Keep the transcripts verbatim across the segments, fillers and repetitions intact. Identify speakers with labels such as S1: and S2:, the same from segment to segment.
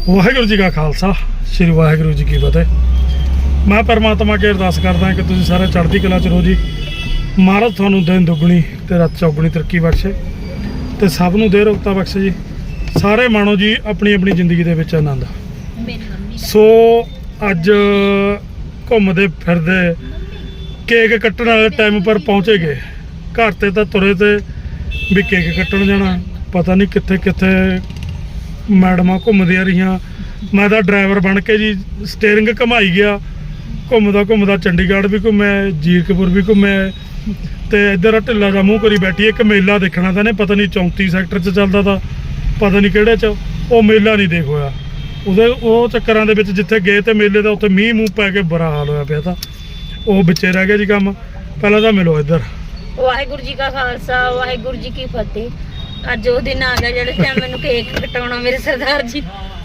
S1: ਵਾਹਿਗੁਰੂ ਜੀ ਕਾ ਖਾਲਸਾ ਸ੍ਰੀ ਵਾਹਿਗੁਰੂ ਜੀ ਕੀ ਫਤਿਹ। ਮੈਂ ਪਰਮਾਤਮਾ ਅੱਗੇ ਅਰਦਾਸ ਕਰਦਾ ਕਿ ਤੁਸੀਂ ਸਾਰੇ ਚੜ੍ਹਦੀ ਕਲਾ ਚ ਰਹੋ ਜੀ। ਮਹਾਰਾਜ ਤੁਹਾਨੂੰ ਦਿਨ ਦੁੱਗਣੀ ਤੇ ਰਾਤ ਚੌਗੁਣੀ ਤਰੱਕੀ ਬਖਸ਼ੇ ਤੇ ਸਭ ਨੂੰ ਦੇ ਰੋਗਤਾ ਬਖਸ਼ੇ ਜੀ। ਸਾਰੇ ਮਾਣੋ ਜੀ ਆਪਣੀ ਆਪਣੀ ਜ਼ਿੰਦਗੀ ਦੇ ਵਿੱਚ ਆਨੰਦ। ਸੋ ਅੱਜ ਘੁੰਮਦੇ ਫਿਰਦੇ ਕੇਕ ਕੱਟਣ ਵਾਲੇ ਟਾਈਮ ਪਰ ਪਹੁੰਚੇ ਗਏ। ਘਰ ਤੇ ਤਾਂ ਤੁਰੇ ਤੇ ਵੀ ਕੇਕ ਕੱਟਣ ਜਾਣਾ, ਪਤਾ ਨਹੀਂ ਕਿੱਥੇ ਕਿੱਥੇ ਮੈਡਮਾਂ ਘੁੰਮਦੀਆਂ ਰਹੀਆਂ। ਮੈਂ ਤਾਂ ਡਰਾਈਵਰ ਬਣ ਕੇ ਜੀ ਸਟੀਅਰਿੰਗ ਘੁਮਾਈ ਗਿਆ, ਘੁੰਮਦਾ ਘੁੰਮਦਾ ਚੰਡੀਗੜ੍ਹ ਵੀ ਘੁੰਮਿਆ, ਜੀਰਕਪੁਰ ਵੀ ਘੁੰਮਿਆ ਤੇ ਇੱਧਰ ਢਿੱਲਾ ਜਿਹਾ ਮੂੰਹ ਕਰੀ ਬੈਠੀ। ਇੱਕ ਮੇਲਾ ਦੇਖਣਾ ਤਾਂ ਨੇ ਪਤਾ ਨਹੀਂ ਚੌਂਤੀ ਸੈਕਟਰ 'ਚ ਚੱਲਦਾ ਤਾ, ਪਤਾ ਨਹੀਂ ਕਿਹੜੇ 'ਚ, ਉਹ ਮੇਲਾ ਨਹੀਂ ਦੇਖ ਹੋਇਆ। ਉਹਦੇ ਉਹ ਚੱਕਰਾਂ ਦੇ ਵਿੱਚ ਜਿੱਥੇ ਗਏ ਤੇ ਮੇਲੇ ਦਾ ਉੱਥੇ ਮੀਂਹ ਮੂੰਹ ਪੈ ਕੇ ਬੁਰਾ ਹਾਲ ਹੋਇਆ ਪਿਆ। ਤਾਂ ਉਹ ਵਿੱਚੇ ਰਹਿ ਗਿਆ ਜੀ ਕੰਮ। ਪਹਿਲਾਂ ਤਾਂ ਮਿਲੋ ਇੱਧਰ।
S2: ਵਾਹਿਗੁਰੂ ਜੀ ਕਾ ਖਾਲਸਾ ਵਾਹਿਗੁਰੂ ਜੀ ਕੀ ਫਤਿਹ। ਅੱਜ ਉਹ ਦਿਨ ਆ ਗਿਆ ਜਿਹੜੇ ਟਾਈਮ ਮੈਨੂੰ ਕੇਕ ਕਟਾਉਣਾ ਮੇਰੇ ਸਰਦਾਰ ਜੀ।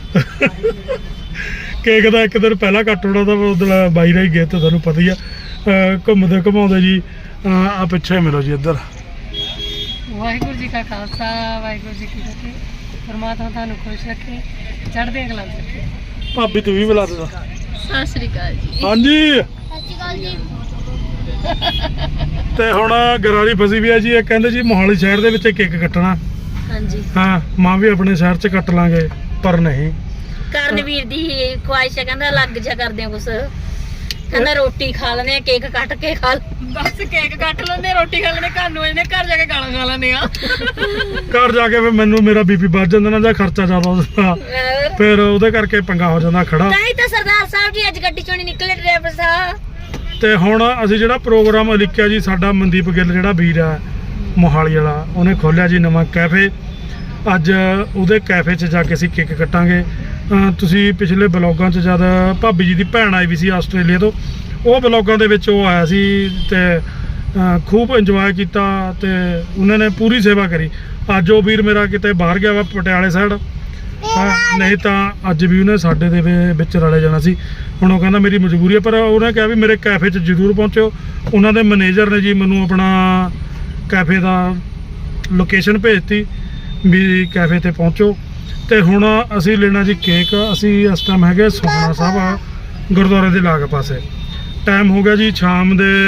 S1: ਕੇਕ ਦਾ ਇੱਕ ਦਿਨ ਪਹਿਲਾਂ ਕੱਟ ਹੋਣਾ ਤਾਂ ਉਦੋਂ ਬਾਈ ਰਾਈ ਗਏ ਤਾਂ ਤੁਹਾਨੂੰ ਪਤਾ ਹੀ ਆ। ਘੁੰਮਦੇ ਘੁਮਾਉਂਦੇ ਜੀ ਆ ਪਿੱਛੇ ਮਿਲੋ ਜੀ ਇੱਧਰ।
S3: ਵਾਹਿਗੁਰੂ ਜੀ ਕਾ ਖਾਲਸਾ ਵਾਹਿਗੁਰੂ ਜੀ ਕੀ ਫਤਿਹ। ਪਰਮਾਤਮਾ ਤੁਹਾਨੂੰ ਖੁਸ਼ ਰੱਖੇ, ਚੜ੍ਹਦੀਆਂ ਕਲਾਂ 'ਚ ਰੱਖੇ।
S1: ਭਾਬੀ ਤੂੰ ਵੀ ਬੁਲਾ ਦੇ।
S2: ਸਤਿ ਸ੍ਰੀ ਅਕਾਲ ਜੀ।
S1: ਹਾਂਜੀ
S2: ਸਤਿ ਸ੍ਰੀ ਅਕਾਲ ਜੀ।
S1: ਤੇ ਹੁਣ ਗਰਾਰੀ ਫਸੀ ਵੀ ਆ ਜੀ। ਇਹ ਕਹਿੰਦੇ ਜੀ ਮੋਹਾਲੀ ਸ਼ਹਿਰ ਦੇ ਵਿੱਚ ਕੇਕ ਕੱਟਣਾ।
S2: ਹਾਂਜੀ
S1: ਹਾਂ, ਮਾਂ ਵੀ ਆਪਣੇ ਸ਼ਹਿਰ 'ਚ ਕੱਟ ਲਾਂਗੇ ਪਰ ਨਹੀਂ।
S2: ਕਰਨਵੀਰ ਦੀ ਖੁਆਇਸ਼ ਹੈ, ਕਹਿੰਦਾ ਅਲੱਗ ਜਿਹਾ ਕਰਦੇ ਆ ਕੁਛ। ਕਹਿੰਦਾ ਰੋਟੀ ਖਾ ਲੈਂਦੇ ਆ, ਕੇਕ ਕੱਟ ਕੇ ਖਾ
S3: ਬਸ ਕੇਕ ਕੱਟ ਲੈਂਦੇ, ਰੋਟੀ ਖਾ ਲੈਂਦੇ, ਘਰ ਨੂੰ ਆਉਂਦੇ, ਘਰ ਜਾ ਕੇ ਗਾਲਾਂ ਖਾ ਲੈਂਦੇ ਆ।
S1: ਘਰ ਜਾ ਕੇ ਫਿਰ ਮੈਨੂੰ ਮੇਰਾ ਬੀਪੀ ਵੱਧ ਜਾਂਦਾ ਨਾ, ਜਾਂ ਖਰਚਾ ਜ਼ਿਆਦਾ ਹੁੰਦਾ, ਫਿਰ ਉਹਦੇ ਕਰਕੇ ਪੰਗਾ ਹੋ ਜਾਂਦਾ ਖੜਾ।
S2: ਤਾਂ ਹੀ ਤਾਂ ਸਰਦਾਰ ਸਾਹਿਬ ਜੀ ਅੱਜ ਗੱਡੀ ਚੋਂ ਨਹੀਂ ਨਿਕਲੇ, ਡਰਾਈਵਰ ਸਾਹਿਬ।
S1: ਤੇ ਹੁਣ ਅਸੀਂ ਜਿਹੜਾ ਪ੍ਰੋਗਰਾਮ ਲਿਖਿਆ ਜੀ, ਸਾਡਾ ਮਨਦੀਪ ਗਿੱਲ ਜਿਹੜਾ ਵੀਰ ਆ ਮੋਹਾਲੀ ਵਾਲਾ, ਉਹਨੇ ਖੋਲਿਆ ਜੀ ਨਵਾਂ ਕੈਫੇ। ਅੱਜ ਉਹਦੇ ਕੈਫੇ 'ਚ ਜਾ ਕੇ ਅਸੀਂ ਕੇਕ ਕੱਟਾਂਗੇ। ਤੁਸੀਂ ਪਿਛਲੇ ਬਲੌਗਾਂ 'ਚ ਜਦ ਭਾਬੀ ਜੀ ਦੀ ਭੈਣ ਆਈ ਵੀ ਸੀ ਆਸਟ੍ਰੇਲੀਆ ਤੋਂ, ਉਹ ਬਲੌਗਾਂ ਦੇ ਵਿੱਚ ਉਹ ਆਇਆ ਸੀ ਤੇ ਖੂਬ ਇੰਜੋਏ ਕੀਤਾ ਤੇ ਉਹਨਾਂ ਨੇ ਪੂਰੀ ਸੇਵਾ ਕਰੀ। ਅੱਜ ਉਹ ਵੀਰ ਮੇਰਾ ਕਿਤੇ ਬਾਹਰ ਗਿਆ ਵਾ ਪਟਿਆਲੇ ਸਾਈਡ, ਨਹੀਂ ਤਾਂ ਅੱਜ ਵੀ ਉਹਨੇ ਸਾਡੇ ਦੇ ਵਿੱਚ ਰਲੇ ਜਾਣਾ ਸੀ। ਹੁਣ ਉਹ ਕਹਿੰਦਾ ਮੇਰੀ ਮਜਬੂਰੀ ਹੈ, ਪਰ ਉਹਨੇ ਕਿਹਾ ਵੀ ਮੇਰੇ ਕੈਫੇ 'ਚ ਜ਼ਰੂਰ ਪਹੁੰਚਿਓ। ਉਹਨਾਂ ਦੇ ਮੈਨੇਜਰ ਨੇ ਜੀ ਮੈਨੂੰ ਆਪਣਾ ਕੈਫੇ ਦਾ ਲੋਕੇਸ਼ਨ ਭੇਜਤੀ ਵੀ ਕੈਫੇ ਤੇ ਪਹੁੰਚੋ। ਤੇ ਹੁਣ ਅਸੀਂ ਲੈਣਾ ਜੀ ਕੇਕ। ਅਸੀਂ ਇਸ ਟਾਈਮ ਹੈਗੇ ਸੁਖਨਾ ਸਾਹਿਬ ਗੁਰਦੁਆਰੇ ਦੇ ਲਾਗ ਪਾਸੇ। ਟਾਈਮ ਹੋ ਗਿਆ ਜੀ ਸ਼ਾਮ ਦੇ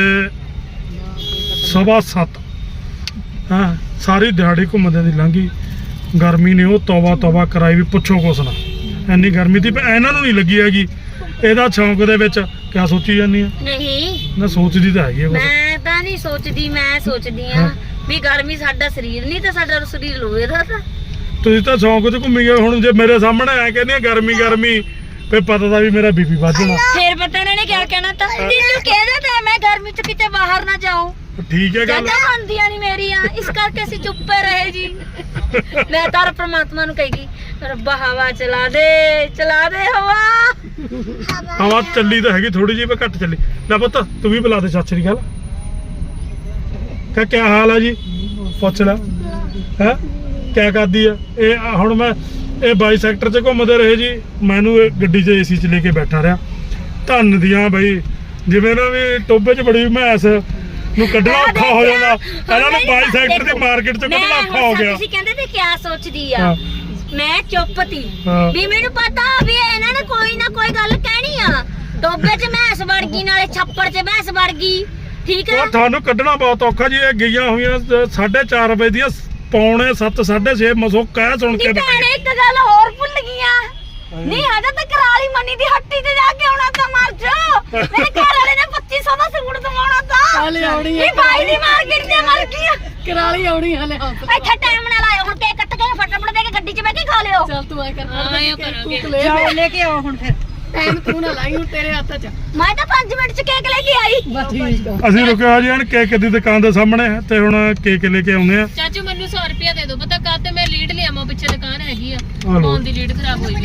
S1: ਸਵਾ ਸੱਤ। ਹਾਂ, ਸਾਰੀ ਦਿਹਾੜੀ ਘੁੰਮਦੇ ਦੀ ਲੰਘੀ। ਗਰਮੀ ਨੇ ਉਹ ਤੌਬਾ ਤੌਬਾ ਕਰਾਈ ਵੀ ਪੁੱਛੋ ਕੁਛ ਨਾ। ਇੰਨੀ ਗਰਮੀ ਦੀ ਇਹਨਾਂ ਨੂੰ ਨਹੀਂ ਲੱਗੀ ਹੈਗੀ। ਇਹਦਾ ਸ਼ੌਂਕ ਦੇ ਵਿੱਚ ਕਿਆ ਸੋਚੀ ਜਾਂਦੀ ਆ?
S2: ਨਹੀਂ
S1: ਨਾ ਸੋਚਦੀ ਤਾਂ ਹੈਗੀ ਆ ਕੁਛ।
S2: ਮੈਂ ਤਾਂ ਨਹੀਂ ਸੋਚਦੀ, ਮੈਂ ਸੋਚਦੀ ਆ ਵੀ ਗਰਮੀ ਸਾਡਾ ਸਰੀਰ ਨਹੀਂ ਤਾਂ ਸਾਡਾ ਸਰੀਰ ਲੋਹੇ ਦਾ। ਤਾਂ
S1: ਤੁਸੀਂ ਤਾਂ ਸ਼ੌਂਕ 'ਚ ਘੁੰਮੀ ਗਏ। ਹੁਣ ਜੇ ਮੇਰੇ ਸਾਹਮਣੇ ਆ ਕਹਿੰਦੇ ਆ ਗਰਮੀ ਗਰਮੀ, ਫੇ ਪਤਾ ਤਾਂ ਵੀ ਮੇਰਾ ਬੀਪੀ ਵੱਧ ਜਾਣਾ।
S2: ਫੇਰ ਪਤਾ ਇਹਨਾਂ ਨੇ ਕਿਆ ਕਹਿਣਾ ਤਾਂ ਤੈਨੂੰ ਕਹਿੰਦਾ ਤਾਂ ਮੈਂ ਗਰਮੀ 'ਚ ਕਿਤੇ ਬਾਹਰ ਨਾ ਜਾਉਂ।
S1: ਠੀਕ ਹੈ ਗੱਲ।
S2: ਜਗ੍ਹਾ ਬਣਦੀਆਂ ਨਹੀਂ ਮੇਰੀਆਂ, ਇਸ ਕਰਕੇ ਅਸੀਂ ਚੁੱਪੇ ਰਹੇ ਜੀ। ਮੈਂ ਤਾਂ ਪ੍ਰਮਾਤਮਾ ਨੂੰ ਕਹੇਗੀ ਰੱਬਾ ਹਵਾ ਚਲਾ ਦੇ, ਚਲਾ ਦੇ ਹਵਾ।
S1: ਹਵਾ ਚੱਲੀ ਤਾਂ ਹੈਗੀ ਥੋੜੀ ਜਿਹੀ, ਪਰ ਘੱਟ ਚੱਲੀ। ਲੈ ਪੁੱਤ ਤੂੰ ਵੀ ਬੁਲਾ ਦੇ। ਸਤਿ ਸ੍ਰੀ ਅਕਾਲ। ਕਾ ਕਿਆ ਹਾਲ ਹੈ ਜੀ? ਪੁੱਛ ਲੈ ਹੈ ਕਿਆ ਕਰਦੀ ਆ ਇਹ। ਹੁਣ ਮੈਂ ਇਹ ਬਾਈ ਸੈਕਟਰ 'ਚ ਘੁੰਮਦੇ ਰਹੇ ਜੀ। ਮੈਨੂੰ ਇਹ ਗੱਡੀ 'ਚ ਏਸੀ 'ਚ ਲੈ ਕੇ ਬੈਠਾ ਰਿਹਾ। ਧੰਨ ਦੀਆਂ ਬਈ, ਜਿਵੇਂ ਨਾ ਵੀ ਟੋਬੇ 'ਚ ਬੜੀ ਮੈਸ ਨੂੰ ਕੱਢਣਾ ਔਖਾ ਹੋ ਜਾਂਦਾ, ਇਹਨਾਂ ਨੂੰ ਬਾਈ ਸੈਕਟਰ ਦੀ ਮਾਰਕੀਟ 'ਚ ਕੱਢਣਾ ਔਖਾ ਹੋ ਗਿਆ।
S2: ਤੁਸੀਂ ਕਹਿੰਦੇ ਤੇ ਕਿਆ ਸੋਚਦੀ ਆ? ਮੈਂ ਚੁੱਪ ਤੀ ਵੀ ਮੈਨੂੰ ਪਤਾ ਵੀ ਇਹਨਾਂ ਨੇ ਕੋਈ ਨਾ ਕੋਈ ਗੱਲ ਕਹਿਣੀ ਆ। ਟੋਬੇ 'ਚ ਮੈਸ ਵੜ ਗਈ, ਨਾਲੇ ਛੱਪੜ 'ਚ ਮੈਸ ਵੜ ਗਈ। ਠੀਕ ਹੈ,
S1: ਤੁਹਾਨੂੰ ਕੱਢਣਾ ਬਹੁਤ ਔਖਾ ਜੀ। ਇਹ ਗਈਆਂ ਹੋਈਆਂ ਸਾਢੇ ਚਾਰ ਵਜੇ ਦੀਆਂ ਪੌਣੇ ਸੱਤ ਸਾਢੇ ਛੇ ਮਸੋ ਕਹਿ ਸੁਣ ਕੇ
S2: ਭੈਣੇ ਇੱਕ ਗੱਲ ਹੋਰ ਭੁੱਲ ਗਈਆਂ। ਨਹੀਂ ਹਜੇ ਤਾਂ ਕਰਾਲੀ ਮੰਨੀ ਦੀ ਹੱਟੀ ਤੇ ਜਾ ਕੇ ਆਉਣਾ ਤਾਂ ਮਰ ਜਾ। ਮੇਰੇ ਘਰ ਵਾਲੇ ਨੇ ਪੱਚੀ ਸੌ ਦਾ ਸੂਟ ਦਵਾਉਣਾ ਤਾਂ।
S3: ਹਲੇ ਆਉਣੀ ਹੈ
S2: ਇਹ ਬਾਈ ਦੀ ਮਾਰਕੀਟ ਤੇ ਮਰ ਗਈਆਂ।
S3: ਕਰਾਲੀ ਆਉਣੀ ਹਲੇ।
S2: ਇੱਥੇ ਟਾਈਮ ਨਾਲ ਆਇਓ। ਹੁਣ ਕੇਕ ਕੱਟ ਕੇ ਫਟਾਫਟ ਦੇ ਕੇ ਗੱਡੀ 'ਚ ਬਹਿ ਕੇ ਖਾ ਲਿਓ।
S3: ਚੱਲ ਤੂੰ ਐ ਕਰ,
S2: ਆਇਆ ਕਰਾਂਗੇ।
S3: ਜਾਓ ਲੈ ਕੇ ਆਓ ਹੁਣ। ਫਿਰ ਟਾਈਮ ਤੂੰ ਨਾ ਲਾਈ, ਹੁਣ ਤੇਰੇ ਹੱਥ 'ਚ।
S2: ਮੈਂ ਤਾਂ ਪੰਜ ਮਿੰਟ 'ਚ ਕੇਕ ਲੈ ਕੇ ਆਈ।
S3: ਬਸ ਠੀਕ ਆ।
S1: ਅਸੀਂ ਰੁਕਿਆ ਜੀ ਹਣ ਕੇਕ ਦੀ ਦੁਕਾਨ ਦੇ ਸਾਹਮਣੇ ਤੇ ਹੁਣ ਕੇਕ ਲੈ ਕੇ ਆਉਂਦੇ ਆ।
S3: ਚਾਚੂ ਮੈਨੂੰ ਸੌ ਰੁਪਇਆ ਦੇ ਦਿਓ, ਪਤਾ ਕਾ ਤੇ ਮੈਂ ਲੀਡ ਲਿਆਵਾਂ, ਪਿੱਛੇ ਦੁਕਾਨ ਹੈਗੀ ਆ,
S1: ਲਓ।
S3: ਫੋਨ ਦੀ ਲੀਡ ਖਰਾਬ ਹੋਈ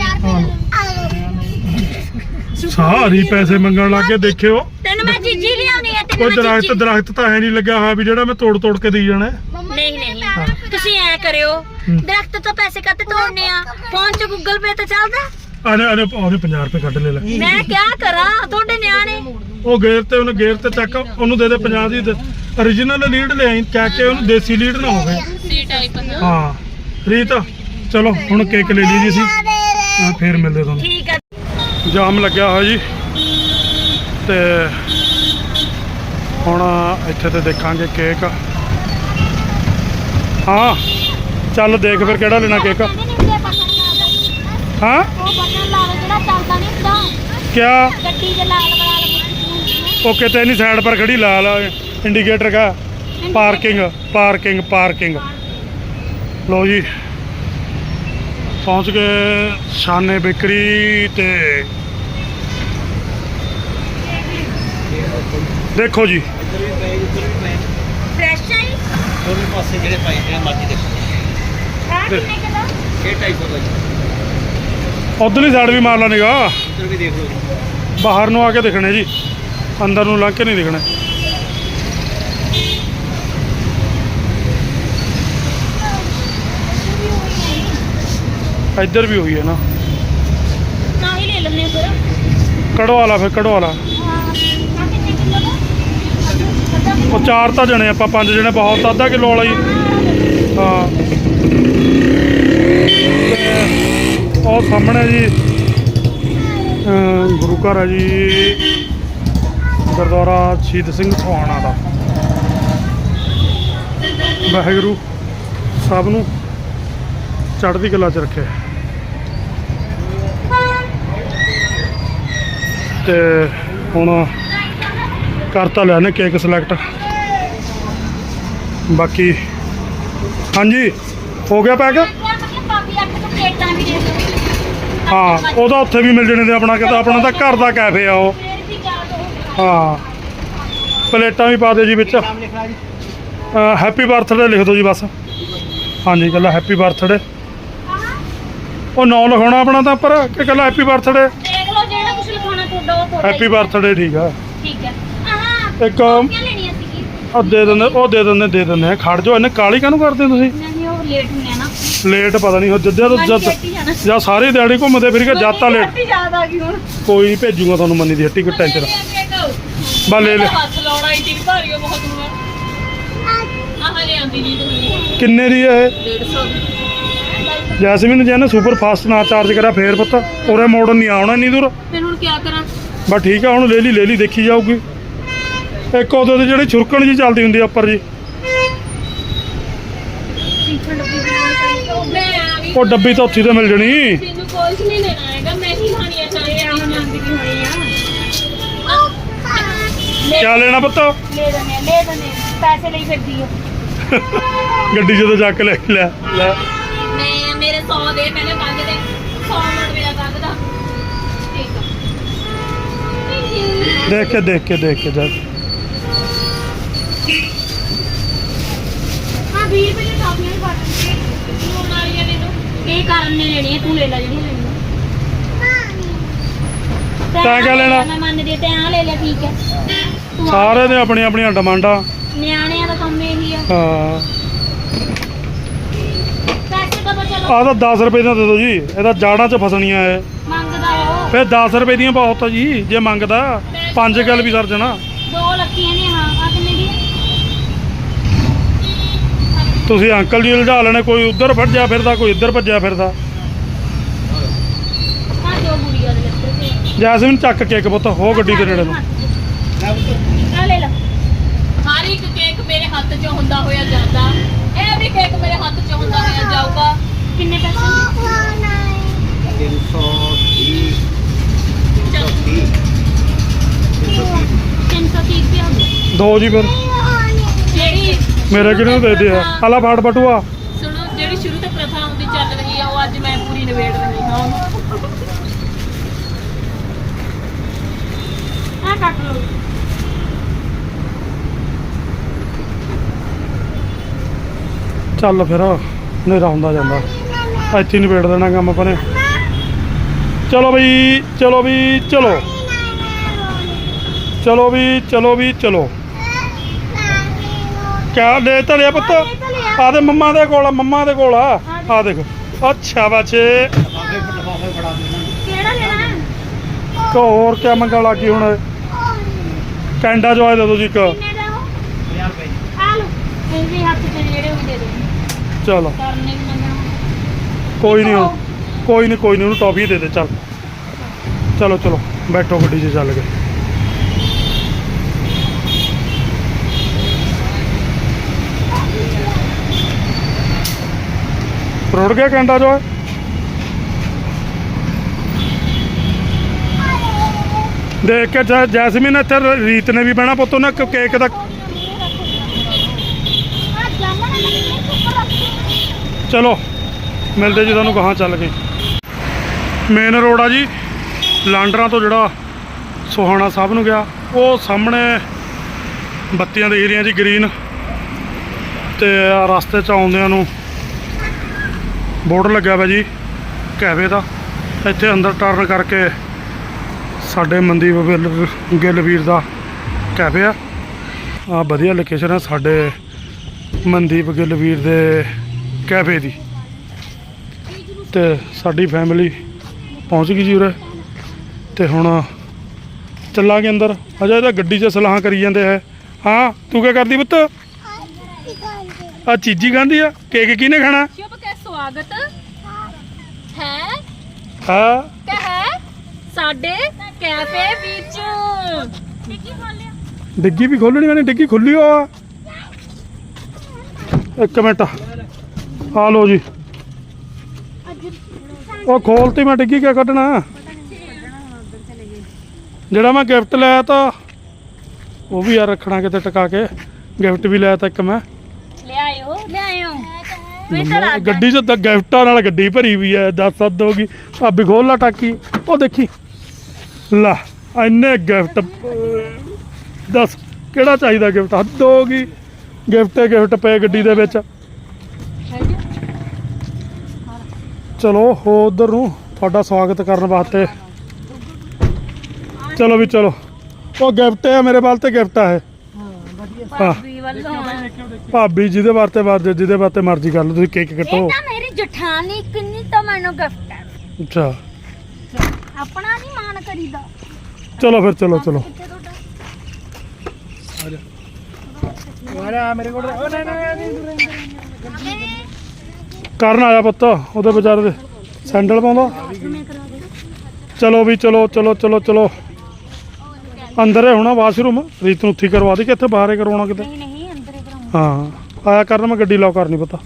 S1: ਸਾਰੀ ਪੈਸੇ ਮੰਗਣ ਲੱਗ ਕੇ ਦੇਖਿਓ।
S2: ਤੈਨੂੰ ਮੈਂ ਜੀਜੀ ਲਿਆਉਣੀ ਆ।
S1: ਕੋਈ
S2: ਤੈਨੂੰ ਮੈਂ
S1: ਦਰਖਤ ਦਰਖਤ ਤਾਂ ਹੈ ਨਹੀਂ ਲੱਗਿਆ ਹੋਇਆ ਵੀ ਜਿਹੜਾ ਮੈਂ ਤੋੜ ਤੋੜ ਕੇ ਦੇਈ ਜਾਣਾ।
S2: ਨਹੀਂ ਨਹੀਂ ਤੁਸੀਂ ਐ ਕਰਿਓ, ਦਰਖਤ ਤੋਂ ਪੈਸੇ ਕੱਟ ਤੋੜਨੇ ਆ, ਫੋਨ 'ਚ ਗੂਗਲ ਪੇ ਤੇ ਚੱਲਦਾ।
S1: ਆਨੇ ਆਨੇ ਉਹਨੇ ਪੰਜਾਹ ਰੁਪਏ ਕੱਢ ਲੈ ਲੈ।
S2: ਮੈਂ ਕਿਆ ਕਰਾਂ ਤੁਹਾਡੇ ਨਿਆਣੇ।
S1: ਉਹ ਗੇਰ ਤੇ ਉਹਨੇ ਗੇਰ ਤੇ ਚੱਕ, ਉਹਨੂੰ ਦੇ ਦੇ ਪੰਜਾਹ ਦੀ। origignal ਲੀਡ ਲੈ ਆਈ, ਕਹਿ ਕੇ ਉਹਨੂੰ ਦੇਸੀ ਲੀਡ ਨਾ ਹੋਵੇ।
S3: ਸੀ ਟਾਈਪ
S1: ਹਾਂ ਰੀਤ ਚਲੋ ਹੁਣ ਕੇਕ ਲੈ ਲਈ ਜੀ ਅਸੀਂ। ਹਾਂ, ਫੇਰ ਮਿਲਦੇ ਤੁਹਾਨੂੰ।
S2: ਠੀਕ ਆ।
S1: ਜਾਮ ਲੱਗਿਆ ਹੋਇਆ ਜੀ ਤੇ ਹੁਣ ਇੱਥੇ ਤੇ ਦੇਖਾਂਗੇ ਕੇਕ। ਹਾਂ ਚੱਲ ਦੇਖ ਫਿਰ ਕਿਹੜਾ ਲੈਣਾ ਕੇਕ। ਹਾਂ
S2: ਉਹ ਬਟਨ ਲਾ ਲਓ ਜਿਹੜਾ ਚੱਲਦਾ ਨਹੀਂ ਹੁੰਦਾ
S1: ਕਿਆ
S2: ਗੱਡੀ ਦੇ ਲਾਲ ਵਾਲਾ
S1: ਉਹ ਕਿਤੇ ਨਹੀਂ ਸਾਈਡ ਪਰ ਖੜੀ ਲਾਲ ਇੰਡੀਕੇਟਰ ਕਾ ਪਾਰਕਿੰਗ ਪਾਰਕਿੰਗ ਪਾਰਕਿੰਗ। ਲਓ ਜੀ ਪਹੁੰਚ ਗਏ ਸ਼ਾਨੇ ਬੇਕਰੀ ਤੇ ਦੇਖੋ ਜੀ
S2: ਫਰੈਸ਼ ਹੈ
S4: ਦੋਵੇਂ ਪਾਸੇ ਜਿਹੜੇ ਪਾਏ ਜਿਹੜੇ ਮਰਜ਼ੀ ਦੇਖੋ।
S2: ਆ ਕਿੰਨੇ ਕਿਲੋ
S4: ਇਹ ਢਾਈ ਸੌ ਦਾ ਜੀ।
S1: ਉਧਰਲੀ ਸਾਈਡ ਵੀ ਮਾਰ ਲਾ ਨਿਗਾਹ।
S4: ਇੱਧਰ ਵੀ ਦੇਖ ਲਓ ਜੀ।
S1: ਬਾਹਰ ਨੂੰ ਆ ਕੇ ਦਿਖਣੇ ਜੀ, ਅੰਦਰ ਨੂੰ ਲੰਘ ਕੇ ਨਹੀਂ ਦਿਖਣੇ। ਇੱਧਰ ਵੀ ਹੋਈ ਹੈ ਨਾ।
S2: ਨਾ ਹੀ ਲੈ ਲੈਣੇ ਫਿਰ।
S1: ਕਢਵਾ ਲਾ ਫਿਰ ਕਢਵਾ ਲਾ।
S2: ਹਾਂ ਆ ਕਿੰਨੇ ਕਿਲੋ ਦਾ ਅੱਧਾ ਕਿਲੋ
S1: ਉਹ ਚਾਰ ਤਾਂ ਜਣੇ ਆਪਾਂ, ਪੰਜ ਜਣੇ ਬਹੁਤ, ਅੱਧਾ ਕਿਲੋ ਵਾਲਾ ਜੀ। ਹਾਂ ਤੇ ਉਹ ਸਾਹਮਣੇ ਜੀ ਅਮ ਗੁਰੂ ਘਰ ਹੈ ਜੀ, ਗੁਰਦੁਆਰਾ ਸ਼ਹੀਦ ਸਿੰਘ ਸੋਹਾਣਾ ਦਾ। ਵਾਹਿਗੁਰੂ ਸਭ ਨੂੰ ਚੜ੍ਹਦੀ ਕਲਾ 'ਚ ਰੱਖੇ। ਤੇ ਹੁਣ ਕਰਤਾ ਲਿਆ ਨੇ ਕੇਕ ਸਿਲੈਕਟ। ਬਾਕੀ ਹਾਂਜੀ ਹੋ ਗਿਆ ਪੈਕ।
S2: ਪਾਪੀ ਅੱਠ ਤੋਂ ਪਲੇਟਾਂ ਵੀ ਦੇ ਦਿਓ।
S1: ਹਾਂ ਉਹਦਾ ਉੱਥੇ ਵੀ ਮਿਲ ਜਣੇ ਤੇ ਆਪਣਾ ਕਹਿੰਦਾ ਆਪਣਾ ਤਾਂ ਘਰ ਦਾ ਕੈਫੇ ਆ ਉਹ।
S2: ਫਿਰ ਵੀ ਜਾ ਦੋ
S1: ਹਾਂ ਪਲੇਟਾਂ ਵੀ ਪਾ ਦਿਓ ਜੀ ਵਿੱਚ।
S4: ਨਾਮ ਲਿਖਣਾ ਜੀ।
S1: ਹੈਪੀ ਬਰਥਡੇ ਲਿਖ ਦਿਓ ਜੀ ਬਸ। ਹਾਂਜੀ ਕੱਲਾ ਹੈਪੀ ਬਰਥਡੇ। ਉਹ ਨਾਂ ਲਿਖਾਉਣਾ ਆਪਣਾ ਤਾਂ ਉੱਪਰ ਕਿ ਕੱਲਾ ਹੈਪੀ ਬਰਥਡੇ।
S2: ਦੇਖ ਲਓ ਜਿਹੜਾ ਕੁਝ ਲਿਖਾਉਣਾ ਤੁਹਾਡਾ ਉਹ ਤੁਹਾਡਾ
S1: ਹੈਪੀ ਬਰਥਡੇ ਠੀਕ ਆ।
S2: ਠੀਕ ਹੈ। ਆਹ
S1: ਇੱਕ
S2: ਕਾਪੀਆਂ ਲੈਣੀਆਂ ਸੀਗੀ।
S1: ਉਹ ਦੇ ਦਿੰਦੇ ਉਹ ਦੇ ਦਿੰਦੇ ਦੇ ਦਿੰਦੇ ਆ। ਖੜ ਜਾਓ ਇਹਨੇ ਕਾਲੀ ਕਾਹਨੂੰ ਕਰਦੇ ਹੋ ਤੁਸੀਂ।
S2: ਨਹੀਂ ਉਹ ਲੇਟ ਹੁੰਦੇ ਆ ਨਾ।
S1: ਲੇਟ ਪਤਾ ਨਹੀਂ ਜਿੱਦਾਂ ਤੋਂ ਜਦ
S2: ਜਾਣਾ
S1: ਜਾਂ ਸਾਰੇ ਦਿਹਾੜੀ ਘੁੰਮਦੇ ਫਿਰ ਕੇ ਜਦ ਤਾਂ ਲੇਟ।
S2: ਯਾਦ ਆ ਗਈ ਹੁਣ।
S1: ਕੋਈ ਨਹੀਂ ਭੇਜੂਗਾ ਤੁਹਾਨੂੰ ਮੰਨੀ ਦੀ ਹੱਟੀ ਕੋਈ ਟੈਨਸ਼ਨ। ਬਾ ਲੈ ਲੈ
S3: ਹੱਥ ਲਾਉਣਾ ਇੰਨੀ ਭਾਰੀ ਆ ਬਹੁਤ ਨੂੰ ਆਹ ਲੈ ਆਂਦੀ ਨਹੀਂ ਤੂੰ
S1: ਕਿੰਨੇ ਦੀ ਹੈ ਇਹ?
S3: ਡੇਢ ਸੌ
S1: ਜੈਸਮੀਨ ਜੇ ਨਾ ਸੁਪਰ ਫਾਸਟ ਨਾ ਚਾਰਜ ਕਰਿਆ ਫੇਰ ਪਤਾ ਉਰੇ ਮੋੜਨ ਨਹੀਂ ਆਉਣਾ ਇੰਨੀ ਦੂਰ।
S3: ਫਿਰ ਹੁਣ ਕੀ ਕਰਾਂ।
S1: ਬਸ ਠੀਕ ਆ ਹੁਣ ਲੈ ਲਈ ਲੈ ਲਈ ਦੇਖੀ ਜਾਊਗੀ। ਇੱਕ ਉਹਦੇ ਤੇ ਜਿਹੜੀ ਛੁਰਕਣ ਜੀ ਚੱਲਦੀ ਹੁੰਦੀ ਆ ਉੱਪਰ ਜੀ,
S2: ਪੀਛੇ ਡੱਬੀ ਬਣਾਉਣੀ ਚਾਹੀਦੀ।
S3: ਮੈਂ ਆ ਵੀ
S1: ਉਹ ਡੱਬੀ ਤਾਂ ਉੱਥੇ ਤੇ ਮਿਲ ਜਣੀ।
S3: ਤੈਨੂੰ ਕੁਝ ਨਹੀਂ ਲੈਣਾ ਹੈਗਾ ਮੈਂ ਹੀ ਖਾਣੀਆਂ ਚਾਹੀਏ ਆ ਮੰਗਦੀ ਵੀ ਹੋਣੀ ਆ
S1: ਕਿਆ ਲੈਣਾ ਪੁੱਤ?
S2: ਲੈ ਦਨੇ ਲੈ ਦਨੇ ਪੈਸੇ ਲਈ ਫਿਰਦੀ ਆ।
S1: ਗੱਡੀ ਜਦੋਂ ਚੱਕ ਲੈ ਲੈ ਲੈ
S3: ਮੈਂ ਮੇਰੇ ਸੌ ਦੇ ਪਹਿਲੇ ਮੰਗ ਦੇ ਸੌ ਨੋਟ ਮੇਰਾ ਕੰਗ ਦਾ ਠੀਕ ਆ
S1: ਦੇਖ ਕੇ ਦੇਖ ਕੇ ਦੇਖ ਕੇ ਜਾ।
S2: ਹਾਂ ਵੀਹ ਰੁਪਏ ਦੀ ਕਾਪੀਆਂ ਵੀ ਪਾ ਦੇ।
S3: ਹੁਣ ਵਾਲੀਆਂ ਨੇ ਤੂੰ
S2: ਇਹ ਕਾਰਨ ਨੇ ਲੈਣੀ ਹੈ ਤੂੰ ਲੈ ਲੈ ਜਿਹੜੀ ਲੈਣੀ
S1: ਤੈਂ ਕਿਆ ਲੈਣਾ?
S2: ਮੈਂ ਮੰਨਦੀ ਤੇ ਆ ਲੈ ਲੈ ਠੀਕ ਹੈ। ਤੂੰ ਆ-
S1: ਸਾਰੇ ਦੇ ਆਪਣੀਆਂ ਆਪਣੀਆਂ ਡਿਮਾਂਡਾਂ।
S2: ਨਿਆਣਿਆਂ ਦਾ ਕੰਮ ਇਹੀ ਆ।
S1: ਹਾਂ
S2: ਪੈਸੇ ਕਦੋਂ ਚਲੋ
S1: ਆਹ ਤਾਂ ਦਸ ਰੁਪਏ ਦਾ ਦੇ ਦਿਓ ਜੀ, ਇਹਦਾ ਜਾੜਾਂ 'ਚ ਫਸਣੀਆਂ ਇਹ।
S2: ਮੰਗਦਾ ਆ ਉਹ
S1: ਫਿਰ ਦਸ ਰੁਪਏ ਦੀਆਂ ਬਹੁਤ ਆ ਜੀ ਜੇ ਮੰਗਦਾ। ਪੰਜ ਗੱਲ ਵੀ ਸਰ ਜਾਣਾ।
S2: ਦੋ ਲੱਕੀਆਂ ਨੇ। ਹਾਂ ਆ ਕਿੰਨੇ ਦੀ ਹੈ?
S1: ਤੁਸੀਂ ਅੰਕਲ ਜੀ ਉਲਝਾ ਲੈਣੇ, ਕੋਈ ਉੱਧਰ ਭੱਜਿਆ ਫਿਰਦਾ ਕੋਈ ਇੱਧਰ ਭੱਜਿਆ ਫਿਰਦਾ।
S2: ਹਾਂ ਦੋ ਗੁੜੀਆਂ ਦੇ ਲੱਤੇ ਤੇ
S1: ਜੈਸਮੀਨ ਚੱਕ ਕੇਕ ਪੁੱਤ ਹੋ ਗੱਡੀ ਦੇ ਨੇੜੇ ਨੂੰ।
S2: ਆ ਲੈ ਲੈ।
S3: ਹਰ ਇੱਕ ਕੇਕ ਮੇਰੇ ਹੱਥ 'ਚ ਹੁੰਦਾ ਹੋਇਆ ਜਾਂਦਾ ਇਹ ਵੀ ਕੇਕ ਮੇਰੇ ਹੱਥ 'ਚ ਹੁੰਦਾ ਹੋਇਆ ਜਾਊਗਾ
S2: ਕਿੰਨੇ ਪੈਸੇ?
S4: ਤਿੰਨ ਸੌ ਵੀਹ ਤਿੰਨ ਸੌ ਤੀਹ
S2: ਤਿੰਨ ਸੌ ਤੀਹ ਰੁਪਏ ਹੋ ਗਏ।
S1: ਦੋ ਜੀ ਫਿਰ
S3: ਜਿਹੜੀ
S1: ਮੇਰੇ ਕਿਹਨੂੰ ਦੇ ਦੇ ਆ ਆਲਾ ਫਾੜ ਬਟੂਆ।
S3: ਸੁਣੋ ਜਿਹੜੀ ਸ਼ੁਰੂ ਤੋਂ ਪ੍ਰਥਾ ਹੁੰਦੀ ਚੱਲ ਰਹੀ ਆ ਉਹ ਅੱਜ ਮੈਂ ਪੂਰੀ ਨਿਬੇੜ ਰਹੀ ਹਾਂ ਉਹਨੂੰ।
S2: ਆ ਕੱਟ ਲਓ।
S1: ਚੱਲ ਫਿਰ ਹਨੇਰਾ ਹੁੰਦਾ ਜਾਂਦਾ ਇੱਥੇ ਨਿਬੇੜ ਦੇਣਾ ਕੰਮ ਆਪਾਂ ਨੇ। ਚਲੋ ਬਈ ਚਲੋ ਵੀ ਚਲੋ ਚਲੋ ਵੀ ਚਲੋ ਵੀ ਚਲੋ। ਕਿਆ ਲੈ ਤਾਂ ਲਿਆ ਪੁੱਤ? ਆ ਦੇ ਮੰਮਾ ਦੇ ਕੋਲ ਆ, ਮੰਮਾ ਦੇ ਕੋਲ ਆ। ਆ ਦੇਖ ਅੱਛਾ ਬੱਚੇ
S4: ਲਿਫਾਫੇ ਲਿਫਾਫੇ ਫੜਾ ਦੇਣਾ।
S2: ਕਿਹੜਾ ਲੈਣਾ?
S1: ਇੱਕ ਹੋਰ ਕਿਆ ਮੰਗਣ ਲੱਗੀ ਹੁਣ? ਕੈਂਡਾ ਜੋਏ ਦੇ ਦਿਓ ਜੀ ਇੱਕ।
S2: ਕਿੰਨੇ ਦਾ ਉਹ?
S4: ਪੰਜਾਹ ਰੁਪਏ ਜੀ।
S2: ਆ ਲਓ ਇਹ ਵੀ ਹੱਥ 'ਚ ਜਿਹੜੇ ਉਹ ਦੇ ਦੇ।
S1: ਚਲੋ
S2: ਕਰਨੇ ਵੀ ਮੰਗਣਾ।
S1: ਕੋਈ ਨਹੀਂ ਹੁਣ ਕੋਈ ਨਹੀਂ ਕੋਈ ਨਹੀਂ ਉਹਨੂੰ ਟੌਫੀ ਦੇ ਦੇ ਚੱਲ ਚਲੋ ਚਲੋ ਬੈਠੋ ਗੱਡੀ 'ਚ ਚੱਲ ਗਏ ਰੁੜ ਗਿਆ ਕੰਡਾ ਜੋ ਦੇਖ ਕੇ ਜੈ- ਜੈਸਮੀਨ ਇੱਥੇ ਰੀਤ ਨੇ ਵੀ ਬਹਿਣਾ ਪੁੱਤ ਉਹਨੇ ਕ- ਕੇਕ ਦਾ ਚਲੋ ਮਿਲਦੇ ਜੀ ਤੁਹਾਨੂੰ ਕਹਾਂ ਚੱਲ ਗਏ ਮੇਨ ਰੋਡ ਆ ਜੀ ਲਾਂਡਰਾਂ ਤੋਂ ਜਿਹੜਾ ਸੋਹਾਣਾ ਸਾਹਿਬ ਨੂੰ ਗਿਆ ਉਹ ਸਾਹਮਣੇ ਬੱਤੀਆਂ ਦਿਖ ਰਹੀਆਂ ਜੀ ਗ੍ਰੀਨ ਤੇ ਆਹ ਰਸਤੇ 'ਚ ਆਉਂਦਿਆਂ ਨੂੰ ਬੋਰਡ ਲੱਗਿਆ ਵਾ ਜੀ ਕੈਫੇ ਦਾ ਇੱਥੇ ਅੰਦਰ ਟਰਨ ਕਰਕੇ ਸਾਡੇ ਮਨਦੀਪ ਗਿੱਲ ਗਿੱਲ ਵੀਰ ਦਾ ਕੈਫੇ ਆ ਆ ਵਧੀਆ ਲੋਕੇਸ਼ਨ ਹੈ ਸਾਡੇ ਮਨਦੀਪ ਗਿੱਲ ਵੀਰ ਦੇ ਕੈਫੇ ਦੀ ਤੇ ਸਾਡੀ ਫੈਮਿਲੀ ਪਹੁੰਚ ਗਈ ਜੀ ਉਰੇ ਤੇ ਹੁਣ ਚੱਲਾਂਗੇ ਅੰਦਰ ਅਜਾ ਇਹਦਾ ਗੱਡੀ 'ਚ ਸਲਾਹਾਂ ਕਰੀ ਜਾਂਦੇ ਹੈ ਹਾਂ ਤੂੰ ਕੀ ਕਰਦੀ ਪੁੱਤ ਆ ਚੀਜ਼ੀ ਖਾਂਦੀ ਆ ਕੇਕ ਕਿਹਨੇ ਖਾਣਾ
S2: ਸ਼ੁਭ ਕੇ ਸਵਾਗਤ ਹੈ
S1: ਹਾਂ
S2: ਕਹੇ ਸਾਡੇ ਕੈਫੇ ਵਿੱਚ ਡਿੱਗੀ ਖੋਲਿਆ
S1: ਡਿੱਗੀ ਵੀ ਖੋਲਣੀ ਮੈਨੇ ਡਿੱਗੀ ਖੁੱਲੀ ਹੋ ਆ ਇੱਕ ਮਿੰਟ ਆ ਲੋ ਜੀ ਉਹ ਖੋਲਤੀ ਮੈਂ ਡਿੱਗੀ ਕਿਆ ਕੱਢਣਾ ਜਿਹੜਾ ਮੈਂ ਗਿਫਟ ਲਿਆ ਤਾਂ ਉਹ ਵੀ ਯਾਰ ਰੱਖਣਾ ਕਿਤੇ ਟਿਕਾ ਕੇ ਗਿਫਟ ਵੀ ਲਿਆ ਤਾਂ ਇੱਕ ਮੈਂ
S2: ਲਿਆਇਓ ਲਿਆਇਓ
S1: ਗੱਡੀ 'ਚ ਤਾਂ ਗਿਫਟਾਂ ਨਾਲ ਗੱਡੀ ਭਰੀ ਵੀ ਹੈ ਦੱਸ ਸੱਦ ਹੋਗੀ ਭਾਬੀ ਖੋਲ ਲਾ ਟਾਕੀ ਉਹ ਦੇਖੀ ਲਾ ਇੰਨੇ ਗਿਫਟ ਦੱਸ ਕਿਹੜਾ ਚਾਹੀਦਾ ਗਿਫਟ ਹੱਦ ਹੋ ਗਈ ਗਿਫਟੇ ਗਿਫਟ ਪਏ ਗੱਡੀ ਦੇ ਵਿੱਚ ਚਲੋ ਹੋ ਉਧਰ ਨੂੰ ਤੁਹਾਡਾ ਸਵਾਗਤ ਕਰਨ ਵਾਸਤੇ ਚਲੋ ਵੀ ਚਲੋ ਉਹ ਗਿਫਟ ਹੈ ਮੇਰੇ ਵੱਲ ਤੇ ਗਿਫਟ ਆ ਇਹ ਹਾਂ
S2: ਵੀ ਵੱਲੋਂ
S1: ਭਾਬੀ ਜਿਹਦੇ ਵਾਸਤੇ ਬਾਅਦ ਜਿਹਦੇ ਵਾਸਤੇ ਮਰਜ਼ੀ ਕਰ ਲਓ ਤੁਸੀਂ ਕੇਕ ਕੱਟੋ
S2: ਇਹ ਤਾਂ ਮੇਰੀ ਜਠਾਣੀ ਕਿੰਨੀ ਤਾਂ ਮੈਨੂੰ ਗਿਫਟ ਹੈ
S1: ਅੱਛਾ
S2: ਆਪਣਾ ਨਹੀਂ ਮਾਣ ਕਰੀਦਾ
S1: ਚਲੋ ਫਿਰ ਚਲੋ ਚਲੋ
S4: ਮੇਰੇ ਕੋਲ ਉਹ ਨਹੀਂ ਨਹੀਂ
S1: ਕਰਨ ਆਇਆ ਪੁੱਤ ਉਹਦੇ ਵਿਚਾਰੇ ਦੇ ਸੈਂਡਲ ਪਾਉਂਦਾ ਚਲੋ ਵੀ ਚਲੋ ਚਲੋ ਚਲੋ ਚਲੋ ਅੰਦਰ ਹੈ ਹੋਣਾ ਵਾਸ਼ਰੂਮ ਰੀਤ ਨੂੰ ਉੱਥੇ ਕਰਵਾ ਦੇ ਕਿ ਇੱਥੇ ਬਾਹਰ ਹੀ ਕਰਵਾਉਣਾ ਕਿਤੇ
S2: ਨਹੀਂ ਨਹੀਂ ਅੰਦਰ ਹੀ ਕਰਾਉਂਗਾ
S1: ਹਾਂ ਆਇਆ ਕਰਨ ਮੈਂ ਗੱਡੀ ਲੌਕ ਕਰਨੀ ਪਤਾ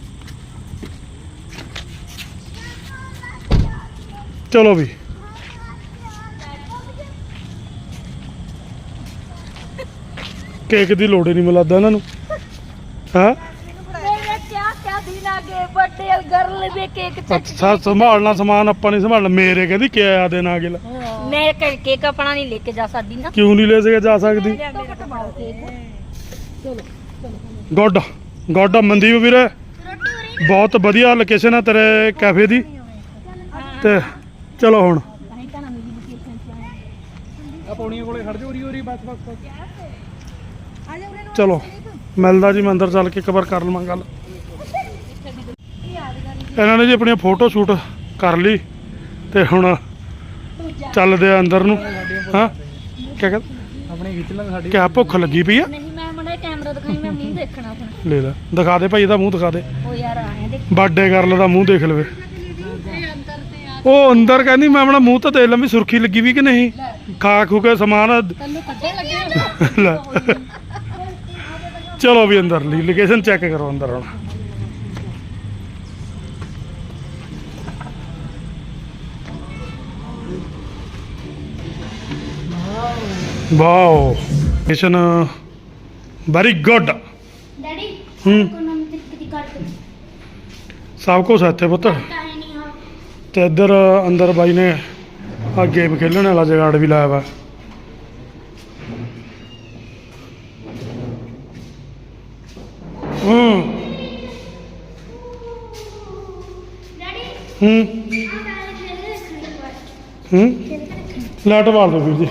S1: ਚਲੋ ਵੀ ਕੇਕ ਦੀ ਲੋੜ ਹੀ ਨਹੀਂ ਮਿਲਦਾ ਇਹਨਾਂ ਨੂੰ ਹਾਂ
S2: ਮੇਰੇ ਕਿਆ ਕਿਆ ਦਿਨ ਆ ਗਏ ਬਰਥਡੇ ਗਰਲ ਦੇ ਕੇਕ
S1: ਅੱਛਾ ਸੰਭਾਲਣਾ ਸਮਾਨ ਆਪਾਂ ਨਹੀਂ ਸੰਭਾਲਣਾ ਮੇਰੇ ਕਹਿੰਦੀ ਕਿਆ ਆ ਦੇਣਾ ਅਗਲਾ
S2: ਮੈਂ ਕੇਕ ਆਪਣਾ ਨਹੀਂ ਲੈ ਕੇ ਜਾ ਸਕਦੀ ਨਾ
S1: ਕਿਉਂ ਨਹੀਂ ਲੈ ਸਕੇ ਜਾ ਸਕਦੀ ਗੁੱਡ ਗੁੱਡ ਮਨਦੀਪ ਵੀਰੇ ਬਹੁਤ ਵਧੀਆ ਲੋਕੇਸ਼ਨ ਹੈ ਤੇਰੇ ਕੈਫੇ ਦੀ ਤੇ ਚਲੋ ਹੁਣ
S4: ਆ ਪੌੜੀਆਂ ਕੋਲੇ ਖੜ ਜਾ ਉਰੀ ਉਰੀ ਬਸ ਬਸ ਬਸ
S1: ਚਲੋ ਮਿਲਦਾ ਜੀ ਮੈਂ ਅੰਦਰ ਚੱਲ ਕੇ ਇੱਕ ਵਾਰ ਕਰ ਲਵਾਂ ਗੱਲ ਇਹਨਾਂ ਨੇ ਜੀ ਆਪਣੀਆਂ ਫੋਟੋ ਸ਼ੂਟ ਕਰ ਲਈ ਤੇ ਹੁਣ ਚੱਲਦੇ ਆ ਅੰਦਰ ਨੂੰ ਹਾਂ ਕਿਆ ਕਹਿੰਦਾ
S4: ਆਪਣੇ ਖਿੱਚ ਲੈ ਸਾਡੀ
S1: ਕਿਆ ਭੁੱਖ ਲੱਗੀ ਪਈ ਆ
S2: ਨਹੀਂ ਮੈਂ ਮੜਾ ਕੈਮਰਾ ਦਿਖਾਈ ਮੈਂ ਮੂੰਹ ਦੇਖਣਾ ਆਪਣਾ
S1: ਲੈ ਲੈ ਦਿਖਾ ਦੇ ਭਾਈ ਇਹਦਾ ਮੂੰਹ ਦਿਖਾ ਦੇ
S2: ਉਹ ਯਾਰ ਆਏ ਦੇਖ
S1: ਬਰਥਡੇ ਗਰਲ ਦਾ ਮੂੰਹ ਦੇਖ ਲਵੇ ਉਹ ਅੰਦਰ ਕਹਿੰਦੀ ਮੈਂ ਆਪਣਾ ਮੂੰਹ ਤਾਂ ਦੇਖ ਲਾਂ ਵੀ ਸੁਰਖੀ ਲੱਗੀ ਵੀ ਕਿ ਨਹੀਂ ਖਾ ਖੂ ਕੇ ਸਮਾਨ
S2: ਤੈਨੂੰ ਕੱਢੇ ਲੱਗੇ
S1: ਲੈ ਚਲੋ ਵੀ ਅੰਦਰ ਲਈ ਲੋਕੇਸ਼ਨ ਚੈੱਕ ਕਰੋ ਅੰਦਰ ਹੁਣ wow location very good
S2: daddy
S1: ਹੂੰ
S2: ਕੋ ਨਾਮ ਤੇ ਕਿਤੇ ਕੱਟ
S1: ਸਭ ਕੁਛ ਹੈ ਇੱਥੇ ਪੁੱਤ
S2: ਕਾਹੇ ਨਹੀਂ ਹਾਂ
S1: ਤੇ ਇੱਧਰ ਅੰਦਰ ਬਾਈ ਨੇ ਆ ਗੇਮ ਖੇਲਣ ਵਾਲਾ ਜਗਾੜ ਵੀ ਲਾਇਆ ਵਾ ਹੂੰ
S2: ਡੈਡੀ
S1: ਹੂੰ
S2: ਆ ਕਾਹੇ ਖੇਲੇ ਰੱਖਣ
S1: ਹੂੰ ਲਾਈਟ ਬਾਲ ਦੋ ਵੀਰ ਜੀ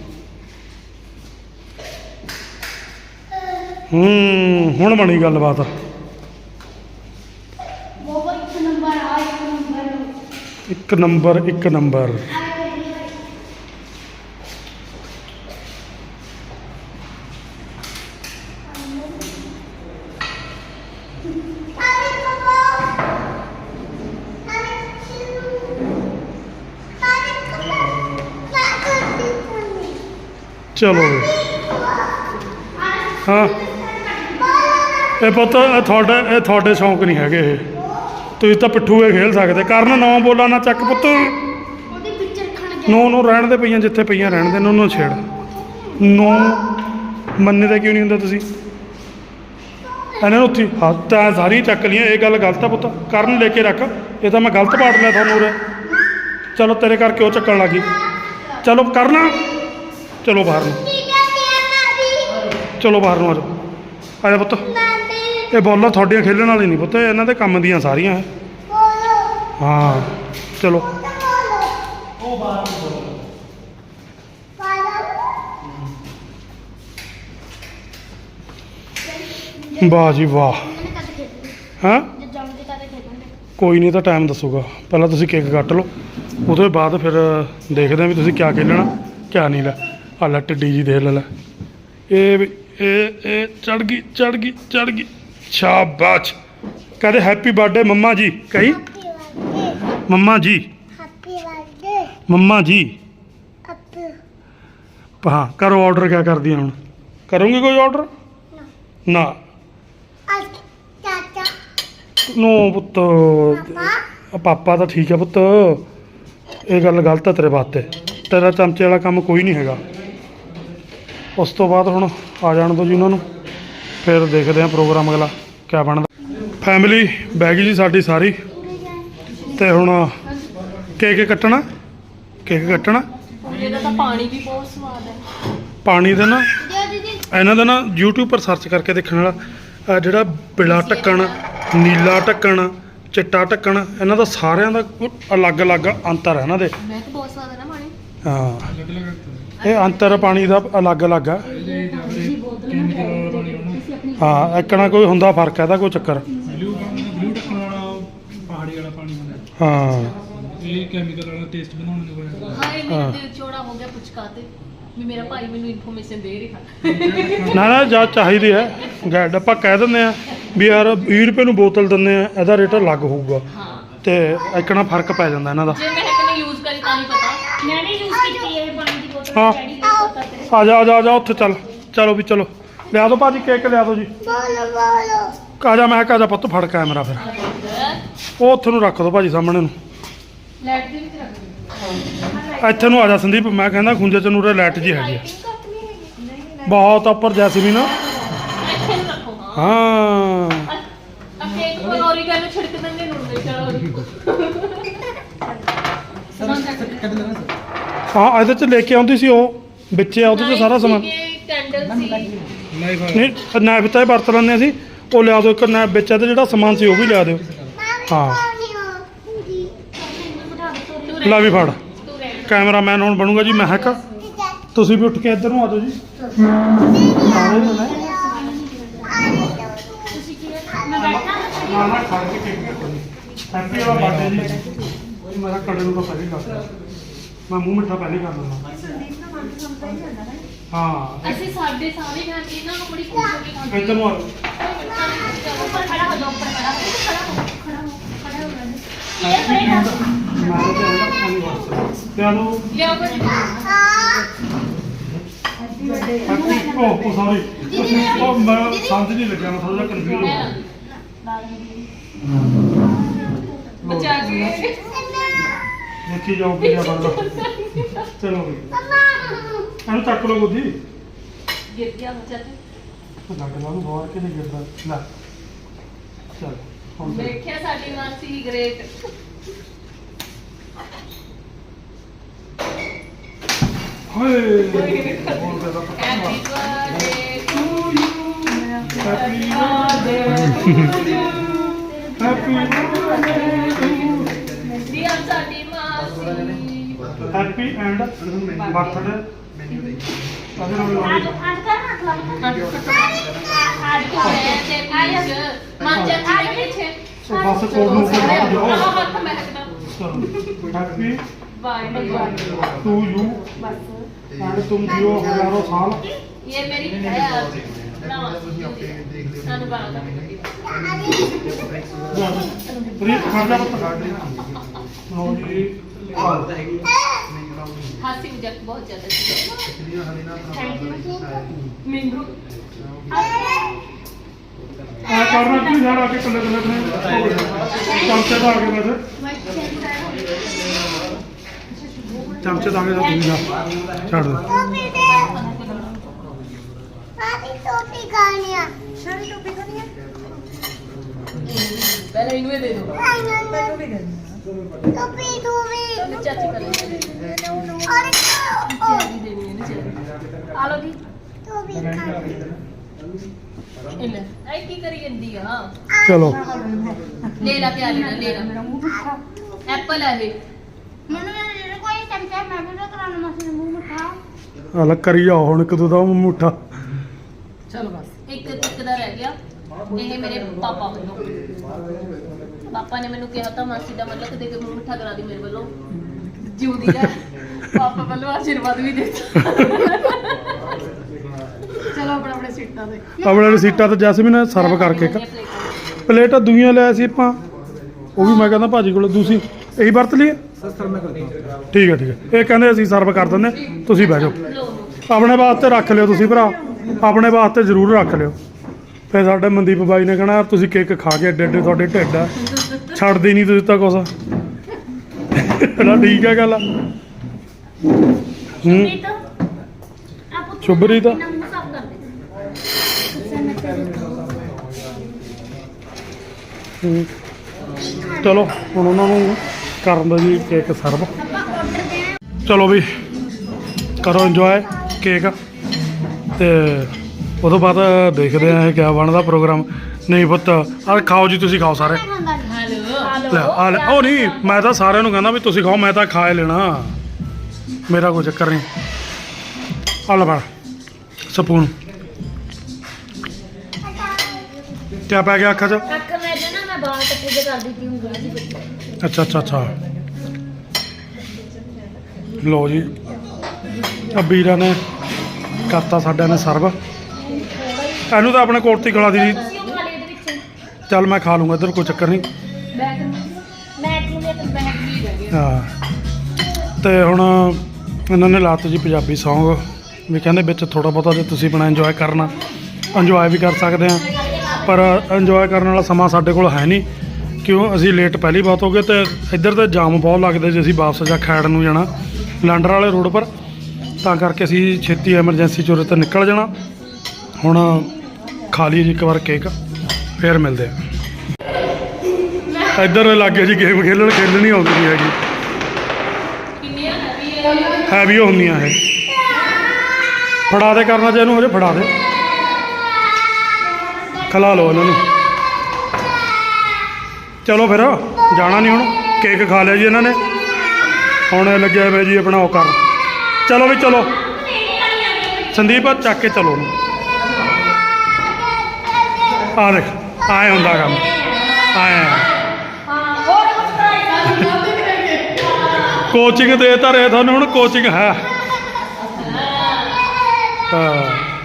S1: ਹੂੰ ਹੁਣ ਬਣੀ ਗੱਲਬਾਤ
S2: ਉਹ ਇੱਕ ਨੰਬਰ ਆ ਇੱਕ ਨੰਬਰ
S1: ਇੱਕ ਨੰਬਰ ਇੱਕ ਨੰਬਰ ਚਲੋ ਵੀ। ਹਾਂ ਇਹ ਪੁੱਤ ਇਹ ਤੁਹਾਡੇ ਇਹ ਤੁਹਾਡੇ ਸ਼ੌਂਕ ਨਹੀਂ ਹੈਗੇ ਇਹ ਤੁਸੀਂ ਤਾਂ ਪਿੱਠੂ ਇਹ ਖੇਲ ਸਕਦੇ ਕਰਨ ਨੌ ਬੋਲਾਂ ਨਾ ਚੱਕ ਪੁੱਤ ਨੌ ਨੂੰ ਰਹਿਣ ਦੇ ਪਈਆਂ ਜਿੱਥੇ ਪਈਆਂ ਰਹਿਣ ਦੇ ਉਹਨੂੰ ਛੇੜ ਨੌ ਮੰਨਦੇ ਕਿਉਂ ਨਹੀਂ ਹੁੰਦਾ ਤੁਸੀਂ ਇਹਨਾਂ ਨੂੰ ਉੱਥੇ ਹੱਥ ਤਾਂ ਸਾਰੀ ਚੱਕ ਲਈਆਂ ਇਹ ਗੱਲ ਗਲਤ ਆ ਪੁੱਤ ਕਰਨ ਲੈ ਕੇ ਰੱਖ ਇਹ ਤਾਂ ਮੈਂ ਗਲਤ ਪਾੜ ਲਿਆ ਤੁਹਾਨੂੰ ਉਰੇ ਚਲੋ ਤੇਰੇ ਕਰਕੇ ਉਹ ਚੱਕਣ ਲੱਗੀ ਚਲੋ ਕਰਨਾ ਚਲੋ ਬਾਹਰ ਨੂੰ ਚਲੋ ਬਾਹਰ ਨੂੰ ਆ ਜਾਓ ਆ ਜਾ ਪੁੱਤ ਇਹ ਬੋਲਾਂ ਤੁਹਾਡੀਆਂ ਖੇਲਣ ਵਾਲੀ ਨਹੀਂ ਪੁੱਤ ਇਹਨਾਂ ਦੇ ਕੰਮ ਦੀਆਂ ਸਾਰੀਆਂ ਹਾਂ ਚਲੋ ਵਾਹ ਜੀ ਵਾਹ ਹਾਂ ਕੋਈ ਨਹੀਂ ਤਾਂ ਟਾਈਮ ਦੱਸੂਗਾ ਪਹਿਲਾਂ ਤੁਸੀਂ ਕੇਕ ਕੱਟ ਲਓ ਉਹਦੇ ਬਾਅਦ ਫਿਰ ਦੇਖਦੇ ਹਾਂ ਵੀ ਤੁਸੀਂ ਕਿਆ ਖੇਲਣਾ ਕਿਆ ਨਹੀਂ ਲੈ ਆ ਲੈ ਟਿੱਡੀ ਜੀ ਦੇਖ ਲੈ ਲੈ ਇਹ ਵੀ ਇਹ ਇਹ ਚੜ ਗਈ ਚੜ ਗਈ ਚੜ ਗਈ ਸ਼ਾਬਾਸ਼ ਕਹਦੇ ਹੈਪੀ ਬਰਥਡੇ ਮੰਮਾ ਜੀ ਕਹੀ ਮੰਮਾ ਜੀ ਮੰਮਾ ਜੀ ਹਾਂ ਕਰੋ ਆਰਡਰ ਕਿਆ ਕਰਦੀ ਹੁਣ ਕਰੋਗੇ ਕੋਈ ਆਰਡਰ ਨਾ ਨੋ ਪੁੱਤ ਪਾਪਾ ਤਾਂ ਠੀਕ ਹੈ ਪੁੱਤ ਇਹ ਗੱਲ ਗਲਤ ਹੈ ਤੇਰੇ ਵਾਸਤੇ ਤੇਰਾ ਚਮਚੇ ਵਾਲਾ ਕੰਮ ਕੋਈ ਨਹੀਂ ਹੈਗਾ ਉਸ ਤੋਂ ਬਾਅਦ ਹੁਣ ਆ ਜਾਣ ਦਿਓ ਜੀ ਉਹਨਾਂ ਨੂੰ ਫਿਰ ਦੇਖਦੇ ਹਾਂ ਪ੍ਰੋਗਰਾਮ ਅਗਲਾ ਕਿਆ ਬਣਦਾ ਫੈਮਿਲੀ ਬਹਿ ਗਈ ਜੀ ਸਾਡੀ ਸਾਰੀ ਤੇ ਹੁਣ ਕੇਕ ਕੱਟਣਾ ਕੇਕ ਕੱਟਣਾ
S3: ਇਹਦਾ ਤਾਂ ਪਾਣੀ ਵੀ ਬਹੁਤ ਸਵਾਦ ਹੈ
S1: ਪਾਣੀ ਦੇ ਨਾ ਇਹਨਾਂ ਦਾ ਨਾ YouTube ਪਰ ਸਰਚ ਕਰਕੇ ਦੇਖਣ ਵਾਲਾ ਆਹ ਜਿਹੜਾ ਬਿਲਾ ਢੱਕਣ ਨੀਲਾ ਢੱਕਣ ਚਿੱਟਾ ਢੱਕਣ ਇਹਨਾਂ ਦਾ ਸਾਰਿਆਂ ਦਾ ਅਲੱਗ-ਅਲੱਗ ਅੰਤਰ ਹੈ ਇਹਨਾਂ ਦੇ
S3: ਮੈਂ ਤਾਂ ਬਹੁਤ ਸਵਾਦ ਹੈ ਨਾ ਪਾਣੀ
S1: ਹਾਂ ਇਹ ਅੰਤਰ ਪਾਣੀ ਦਾ ਅਲੱਗ-ਅਲੱਗ ਆ ਹਾਂ ਇੱਕਣਾ ਕੋਈ ਹੁੰਦਾ ਫਰਕ ਹੈ ਇਹਦਾ ਕੋਈ ਚੱਕਰ
S4: ਬਲੂ ਬਲੂ ਢੱਕਣ ਵਾਲਾ ਪਹਾੜੀ ਵਾਲਾ ਪਾਣੀ ਹੁੰਦਾ
S1: ਹਾਂ
S4: ਇਹ ਕੈਮੀਕਲ ਵਾਲਾ ਟੇਸਟ ਬਣਾਉਣ ਨੂੰ ਹੋਇਆ
S3: ਹਾਏ ਮੇਰਾ ਦਿਲ ਚੌੜਾ ਹੋ ਗਿਆ ਪੁਚਕਾ ਤੇ ਵੀ ਮੇਰਾ ਭਾਈ ਮੈਨੂੰ ਇਨਫੋਰਮੇਸ਼ਨ ਦੇ ਰਿਹਾ
S1: ਨਾ ਨਾ ਜਾਂ ਚਾਹੀਦੀ ਹੈ ਗੈਡ ਆਪਾਂ ਕਹਿ ਦਿੰਦੇ ਆ ਵੀ ਯਾਰ ਵੀਹ ਰੁਪਏ ਨੂੰ ਬੋਤਲ ਦਿੰਦੇ ਆ ਇਹਦਾ ਰੇਟ ਅਲੱਗ ਹੋਊਗਾ
S3: ਹਾਂ
S1: ਤੇ ਇੱਕਣਾ ਫਰਕ ਪੈ ਜਾਂਦਾ ਇਹਨਾਂ ਦਾ
S3: ਜੇ ਮੈਂ ਇੱਕ ਨੇ ਯੂਜ਼ ਕਰੀ ਤਾਂ ਹੀ ਪਤਾ
S2: ਮੈਂ ਨਹੀਂ ਯੂਜ਼ ਕੀਤੀ ਇਹ ਪਾਣੀ ਦੀ ਬੋਤਲ
S1: ਹਾਂ
S2: ਡੈਡੀ ਨੂੰ ਪਤਾ ਤੇਰੇ
S1: ਆ ਜਾ ਆ ਜਾ ਆ ਜਾ ਉੱਥੇ ਚੱਲ ਚਲੋ ਵੀ ਚਲੋ ਲਿਆ ਦਿਓ ਭਾਜੀ ਕੇਕ ਲਿਆ ਦਿਓ ਜੀ ਆ ਜਾ ਮੈਂ ਕਿਹਾ ਆ ਜਾ ਪੁੱਤ ਫੜ ਕੈਮਰਾ ਫਿਰ ਉਹ ਉੱਥੇ ਨੂੰ ਰੱਖ ਦਿਓ ਭਾਜੀ ਸਾਹਮਣੇ ਨੂੰ
S3: ਲੈਟ ਦੇ ਵਿੱਚ ਰੱਖ ਦੇ
S1: ਇੱਥੇ ਨੂੰ ਆ ਜਾ ਸੰਦੀਪ ਮੈਂ ਕਹਿੰਦਾ ਖੁੰਝੇ ਚ ਨੂਰੇ ਲਾਈਟ ਜੀ ਹੈਗੀ ਆ ਬਹੁਤ ਉੱਪਰ ਜੈਸਮੀਨ
S3: ਇੱਥੇ ਨੂੰ ਰੱਖੋ ਹਾਂ
S1: ਹਾਂ
S3: ਆ ਕੇਕ ਪਰ ਔਰੀਗੈਨੋ ਨੂੰ ਛਿੜਕ ਦਿੰਦੇ ਨੂੰ ਦੇ ਚਲੋ ਸਮਾਨ ਚੱਕ ਲੈ
S1: ਹਾਂ ਇਹਦੇ ਚ ਲੈ ਕੇ ਆਉਂਦੀ ਸੀ ਉਹ ਵਿੱਚੇ ਆ ਉਹਦੇ ਚ ਸਾਰਾ ਸਮਾਨ
S3: ਕੈਂਡਲ ਸੀ
S1: ਨਹੀਂ ਨਾਇਫ ਤਾਂ ਇਹ ਵਰਤ ਲੈਂਦੇ ਅਸੀਂ ਉਹ ਲਿਆ ਦਿਓ ਇੱਕ ਨਾਇਫ ਵਿੱਚ ਇਹਦੇ ਜਿਹੜਾ ਸਮਾਨ ਸੀ ਉਹ ਵੀ ਲਿਆ ਦਿਓ ਹਾਂ ਲੈ ਵੀ ਫੜ ਕੈਮਰਾਮੈਨ ਹੁਣ ਬਣੂਗਾ ਜੀ ਮਹਿਕ ਤੁਸੀਂ ਵੀ ਉੱਠ ਕੇ ਇੱਧਰ ਨੂੰ ਆ ਜਾਓ ਜੀ ਨਾ ਨਾ ਖੜ ਕੇ ਕੇਕ ਕੱਟਣੀ ਹੈਪੀ ਵਾਲਾ ਬਰਥਡੇ ਜੀ ਉਹ ਮੇਰਾ ਕੜੇ ਨੂੰ ਤਾਂ ਪਹਿਲੇ ਕਰ ਮੈਂ ਮੂੰਹ ਮਿੱਠਾ ਪਹਿਲੇ ਕਰ ਦਿੰਦਾ ਹਾਂ
S3: ਅਸੀਂ ਸਾਡੇ ਸਾਰੇ ਫੈਮਿਲੀ ਨਾਲ ਬੜੀ ਖੁਸ਼ ਹੋ ਕੇ ਖਾਂਦੇ
S1: ਇੱਧਰ ਨੂੰ ਆ
S2: ਉੱਪਰ ਖੜਾ ਹੋ ਜਾ ਉੱਪਰ ਖੜਾ ਹੋ ਖੜਾ ਹੋ ਖੜਾ ਹੋ ਖੜਾ ਹੋ
S1: ਮੈਂ ਤਾਂ ਕਹਿੰਦਾ ਪਾਣੀ ਵਾਸਤੇ ਤੇ ਆਲੂ
S3: ਲਿਆਓ ਕੁਝ
S1: ਹੈਪੀ ਓ ਸੌਰੀ ਉਹ ਮੈਂ ਸਮਝ ਨਹੀਂ ਲੱਗਿਆ ਮੈਂ ਥੋੜਾ ਜਿਹਾ ਕਨਫਿਊਜ਼ ਹੋ ਗਿਆ
S3: ਬਚਾ ਕੇ
S1: ਦੇਖੀ ਜਾਓ ਕੀ ਬਣਦਾ ਚਲੋ ਵੀ ਇਹਨੂੰ ਚੱਕ ਲਓ ਗੋਦੀ
S3: ਗਿਰ ਗਿਆ ਬੱਚਾ ਤੇ
S1: ਲੱਗ ਲਾ ਨੂੰ ਬਾਹਰ ਕੇ ਨਹੀਂ ਗਿਰਦਾ ਲੈ ਚਲ ਹੁਣ ਦੇਖ।
S3: ਦੇਖਿਆ ਸਾਡੀ ਮਾਸੀ ਗ੍ਰੇਟ
S1: ਹਾਏ ਬੋਲ ਦੇ ਦਾ ਪਤਾ
S3: happy birthday to you
S1: happy
S3: ਦੀ ਆ ਸਾਡੀ ਮਾਸੀ
S1: ਹੈਪੀ ਐਂਡ ਬਰਥਡੇ ਅਗਰ ਉਹ
S2: ਅੱਜ ਅੱਜ ਕਰ ਨਾ
S3: ਅੱਜ ਤੇ ਅੱਜ ਮਾਂਜਾ ਆ ਪਿੱਛੇ
S1: ਸੋ ਬਸ ਕੋਲ ਨੂੰ ਜਾਓ
S3: ਆਹ ਹੱਥ ਮਹਿਕਦਾ
S1: happy
S3: bye bye
S1: to you
S3: ਬਸ
S1: ਐਂਡ ਤੁਮ ਜਿਓ ਹਜ਼ਾਰੋਂ ਸਾਲ
S3: ਇਹ ਮੇਰੀ ਹੈ ਨਾ ਸਾਨੂੰ ਬਾਲਾ
S1: ਪ੍ਰੀਤ ਖੜ ਜਾ ਪੁੱਤ ਲਓ ਜੀ
S3: ਹਾਸੀ ਮਜ਼ਾਕ ਬਹੁਤ ਜ਼ਿਆਦਾ ਸੀ
S4: ਪਿਛਲੀਆਂ ਹਲੇ ਨਾ
S3: ਥੈਂਕ ਯੂ ਮੈਨੂੰ
S1: ਆ ਕਰਨਾ ਕੀ ਯਾਰ ਆ ਕੇ ਕੱਲੇ ਕੱਲੇ ਆਪਣੇ ਚਮਚੇ ਦਾ ਆ ਗਏ ਵੈਸੇ ਚਮਚੇ ਦਾ ਆ ਗਏ ਤਾਂ ਤੁਸੀਂ ਜਾ ਛੱਡ ਦੇ
S2: ਟੋਪੀ ਖਾਣੀ ਆ ਸ਼ਰੀ ਟੋਪੀ ਖਾਣੀ ਆ
S3: ਪਹਿਲਾਂ ਇਹਨੂੰ ਹੀ ਦੇ ਦਿਓ
S2: ਟੋਪੀ ਟੋਪੀ
S3: ਚਾਚੀ ਕਰ ਲੈਂਦੇ
S2: ਅਰੇ
S3: ਚਾਚੀ ਦੇਣੀ ਹੈ ਨਾ ਚਾਚੀ ਆ ਲਓ ਜੀ
S2: ਟੋਪੀ ਖਾਣੀ
S3: ਇਹ ਲੈ ਐ ਕੀ ਕਰੀ ਜਾਂਦੀ ਆ
S1: ਚਲੋ
S3: ਲੈ ਲਾ ਕੇ ਆ ਲੈਣਾ ਲੈ ਲਾ ਐਪਲ ਹੈ ਇਹ
S2: ਮੈਨੂੰ ਇਹ ਕੋਈ ਚਮਚਾ ਮੈਂ ਵੀ ਕਰਾਉਣਾ ਮਸੀਂ ਮੂੰਹ ਮਿਠਾ
S1: ਹਲ ਕਰੀ ਜਾਓ ਹੁਣ ਇੱਕ ਦੋ ਦਾ ਮੁੱਠਾ
S3: ਚਲੋ ਬਸ ਇੱਕ ਇੱਕ ਦਾ ਰਹਿ ਗਿਆ ਇਹ ਮੇਰੇ ਪਾਪਾ ਵੱਲੋਂ ਪਾਪਾ ਨੇ ਮੈਨੂੰ ਕਿਹਾ ਤਾਂ ਮਾਸੀ ਦਾ ਮਤਲਬ ਦੇ ਕੇ ਮੂੰਹ ਮਿੱਠਾ ਕਰਾ ਦੀ ਮੇਰੇ ਵੱਲੋਂ ਜਿਉਂਦੀ ਰਹਿ ਪਾਪਾ ਵੱਲੋਂ ਆਸ਼ੀਰਵਾਦ ਵੀ ਦੇ ਚਲੋ ਆਪਣਾ ਆਪਣੇ ਸੀਟਾਂ ਤੇ
S1: ਆਪਣੇ ਵਾਲੀ ਸੀਟਾਂ ਤੇ ਜੈਸਮੀਨ ਸਰਵ ਕਰਕੇ ਇੱਕ ਪਲੇਟਾਂ ਦੂਈਆਂ ਲਿਆ ਸੀ ਆਪਾਂ ਉਹ ਵੀ ਮੈਂ ਕਹਿੰਦਾ ਭਾਜੀ ਕੋਲ ਦੂਸਰੀ ਇਹੀ ਵਰਤ ਲਈਏ
S4: ਸਰ ਮੈਂ ਕਰਦਾ
S1: ਠੀਕ ਹੈ ਠੀਕ ਹੈ ਇਹ ਕਹਿੰਦੇ ਅਸੀਂ ਸਰਵ ਕਰ ਦਿੰਦੇ ਤੁਸੀਂ ਬਹਿ ਜਾਓ ਆਪਣੇ ਵਾਸਤੇ ਰੱਖ ਲਿਓ ਤੁਸੀਂ ਭਰਾ ਆਪਣੇ ਵਾਸਤੇ ਜ਼ਰੂਰ ਰੱਖ ਲਿਓ ਫਿਰ ਸਾਡੇ ਮਨਦੀਪ ਬਾਈ ਨੇ ਕਹਿਣਾ ਯਾਰ ਤੁਸੀਂ ਕੇਕ ਖਾ ਕੇ ਏਡੇ ਏਡੇ ਤੁਹਾਡੇ ਢਿੱਡ ਆ ਛੱਡਦੇ ਨਹੀਂ ਤੁਸੀਂ ਤਾਂ ਕੁਛ ਨਾ ਠੀਕ ਹੈ ਗੱਲ ਹੂੰ ਸ਼ੁਭਰੀ ਤਾਂ
S2: ਮੂੰਹ ਸਾਫ ਕਰ ਦੇ
S1: ਹੂੰ। ਚਲੋ ਹੁਣ ਉਹਨਾਂ ਨੂੰ ਕਰਨ ਦਾ ਜੀ ਕੇਕ ਸਰਵ ਚਲੋ ਵੀ ਕਰੋ ਇੰਜੋਏ ਕੇਕ ਤੇ ਉਦੋਂ ਬਾਅਦ ਦੇਖਦੇ ਆ ਇਹ ਕਿਆ ਬਣਦਾ ਪ੍ਰੋਗਰਾਮ ਨਹੀਂ ਪੁੱਤ ਆ ਖਾਓ ਜੀ ਤੁਸੀਂ ਖਾਓ ਸਾਰੇ
S3: ਹੈਲੋ
S1: ਲੈ ਆ ਲੈ ਉਹ ਨਹੀਂ ਮੈਂ ਤਾਂ ਸਾਰਿਆਂ ਨੂੰ ਕਹਿੰਦਾ ਵੀ ਤੁਸੀਂ ਖਾਓ ਮੈਂ ਤਾਂ ਖਾ ਹੀ ਲੈਣਾ ਮੇਰਾ ਕੋਈ ਚੱਕਰ ਨਹੀਂ ਆ ਲੈ ਫੜ ਸਪੂਨ ਕਿਆ ਪੈ ਗਿਆ ਅੱਖਾਂ 'ਚ
S2: ਅੱਖ ਮੈਂ ਨਾ ਮੈਂ ਬਾਹਰ ਟੱਪੂ ਜੇ ਕਰਦੀ ਸੀ ਉਂਗਲਾਂ ਦੀ ਬੱਚੀ
S1: ਅੱਛਾ ਅੱਛਾ ਅੱਛਾ ਲਓ ਜੀ ਆ ਵੀਰਾਂ ਨੇ ਕਰਤਾ ਸਾਡਿਆਂ ਨੇ ਸਰਵ ਇਹਨੂੰ ਤਾਂ ਆਪਣੇ ਕੋਟ 'ਤੇ ਖਿਲਾ ਦੀ ਜੀ
S2: ਤੁਸੀਂ ਉਹ ਖਾ ਲਈ ਇਹਦੇ ਵਿੱਚ
S1: ਚੱਲ ਮੈਂ ਖਾ ਲੂੰਗਾ ਇੱਧਰ ਕੋਈ ਚੱਕਰ ਨਹੀਂ
S2: ਬੈਗ ਮੈਂ ਇੱਕ ਨੂੰ ਤੇ ਬੈਗ ਵੀ ਰਹਿ ਗਿਆ
S1: ਹਾਂ ਤੇ ਹੁਣ ਇਹਨਾਂ ਨੇ ਲਾਤ ਜੀ ਪੰਜਾਬੀ ਸੌਂਗ ਵੀ ਕਹਿੰਦੇ ਵਿੱਚ ਥੋੜਾ ਬਹੁਤਾ ਜੇ ਤੁਸੀਂ ਬਣਾ ਇੰਜੋਏ ਕਰਨਾ ਇੰਜੋਏ ਵੀ ਕਰ ਸਕਦੇ ਆ ਪਰ ਇੰਜੋਏ ਕਰਨ ਵਾਲਾ ਸਮਾਂ ਸਾਡੇ ਕੋਲ ਹੈ ਨਹੀਂ ਕਿਉਂ ਅਸੀਂ ਲੇਟ ਪਹਿਲੀ ਬਹੁਤ ਹੋ ਗਏ ਤੇ ਇੱਧਰ ਤੇ ਜਾਮ ਬਹੁਤ ਲੱਗਦੇ ਜੇ ਅਸੀਂ ਵਾਪਸ ਜਾ ਖੈੜ ਨੂੰ ਜਾਣਾ ਲੰਡਰ ਵਾਲੇ ਰੋਡ ਪਰ ਤਾਂ ਕਰਕੇ ਅਸੀਂ ਛੇਤੀ ਐਮਰਜੈਂਸੀ ਚੋਰੇ ਤੇ ਨਿਕਲ ਜਾਣਾ ਹੁਣ ਖਾ ਲਈਏ ਜੀ ਇੱਕ ਵਾਰ ਕੇਕ ਫੇਰ ਮਿਲਦੇ ਆ ਇੱਧਰ ਲੱਗੇ ਜੀ ਗੇਮ ਖੇਲਣ ਖੇਲਣੀ ਆਉਂਦੀ ਨਹੀਂ ਹੈਗੀ
S3: ਕਿੰਨੀਆਂ ਹੈਵੀ
S1: ਹੈਵੀ ਹੁੰਦੀਆਂ ਇਹ ਫੜਾ ਦੇ ਕਰਨਾ ਜੇ ਇਹਨੂੰ ਹਜੇ ਫੜਾ ਦੇ ਖਿਲਾ ਲਓ ਇਹਨਾਂ ਨੂੰ ਚਲੋ ਫਿਰ ਜਾਣਾ ਨਹੀਂ ਹੁਣ ਕੇਕ ਖਾ ਲਿਆ ਜੀ ਇਹਨਾਂ ਨੇ ਹੁਣ ਇਹ ਲੱਗਿਆ ਹੋਇਆ ਜੀ ਆਪਣਾ ਉਹ ਕਰ ਚਲੋ ਵੀ ਚਲੋ ਸੰਦੀਪ ਚੱਕ ਕੇ ਚਲੋ ਉਹਨੂੰ ਆ ਦੇਖ ਆਏ ਹੁੰਦਾ ਕੰਮ ਆਏ ਕੋਚਿੰਗ ਦੇ ਤਾਂ ਰਹੇ ਤੁਹਾਨੂੰ ਹੁਣ ਕੋਚਿੰਗ ਹੈ ਹਾਂ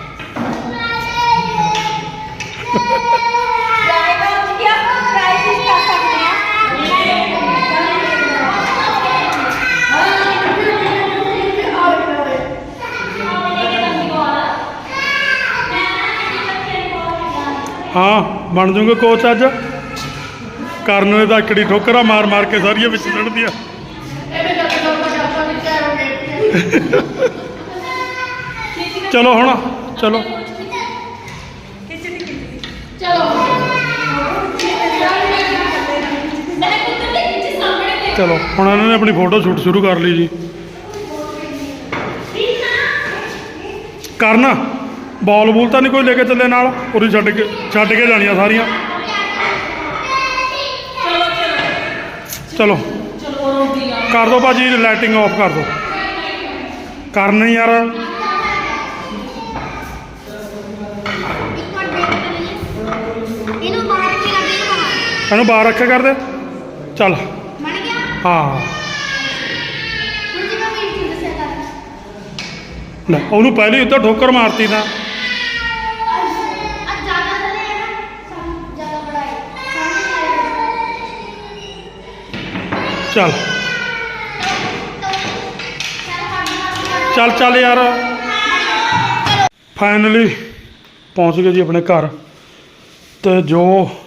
S1: ਹਾਂ ਬਣ ਜੂਗੇ ਕੋਚ ਅੱਜ ਕਰਨ ਨੇ ਤਾਂ ਇਕੜੀ ਠੋਕਰਾਂ ਮਾਰ ਮਾਰ ਕੇ ਸਾਰੀਆਂ ਵਿੱਚ ਲੜਦੀਆਂ ਚਲੋ ਹੁਣ ਚਲੋ ਚਲੋ ਹੁਣ ਇਹਨਾਂ ਨੇ ਆਪਣੀ ਫੋਟੋ ਸ਼ੂਟ ਸ਼ੁਰੂ ਕਰ ਲਈ ਜੀ ਕਰਨ ਬਾਲ ਬੂਲ ਤਾਂ ਨਹੀਂ ਕੋਈ ਲੈ ਕੇ ਚੱਲੇ ਨਾਲ ਉਰੀ ਛੱਡ ਕੇ ਛੱਡ ਕੇ ਜਾਣੀਆਂ ਸਾਰੀਆਂ ਚਲੋ ਕਰ ਦੋ ਭਾਜੀ ਲਾਈਟਿੰਗ ਆਫ ਕਰ ਦੋ ਕਰਨ ਯਾਰ
S2: ਇਹਨੂੰ ਬਾਹਰ ਰੱਖੀ ਲੱਗੀ ਬਾਹਰ
S1: ਇਹਨੂੰ ਬਾਹਰ ਰੱਖਿਆ ਕਰ ਦੇ ਚੱਲ
S2: ਬਣ ਗਿਆ
S1: ਹਾਂ
S2: ਹੁਣ ਜਿਵੇਂ ਮੇਰੀ ਚੀਜ਼ ਦੱਸਿਆ ਕਰ
S1: ਲੈ ਉਹਨੂੰ ਪਹਿਲੇ ਉੱਤੇ ਠੋਕਰ ਮਾਰਤੀ ਤਾਂ
S2: ਅੱਜ ਜ਼ਿਆਦਾ ਥੱਲੇ ਹੈ ਨਾ ਸਾਨੂੰ ਜ਼ਿਆਦਾ ਬੜਾ ਹੈ
S1: ਚੱਲ ਚੱਲ ਚੱਲ ਯਾਰ ਫਾਈਨਲੀ ਪਹੁੰਚ ਗਏ ਜੀ ਆਪਣੇ ਘਰ ਤੇ ਜੋ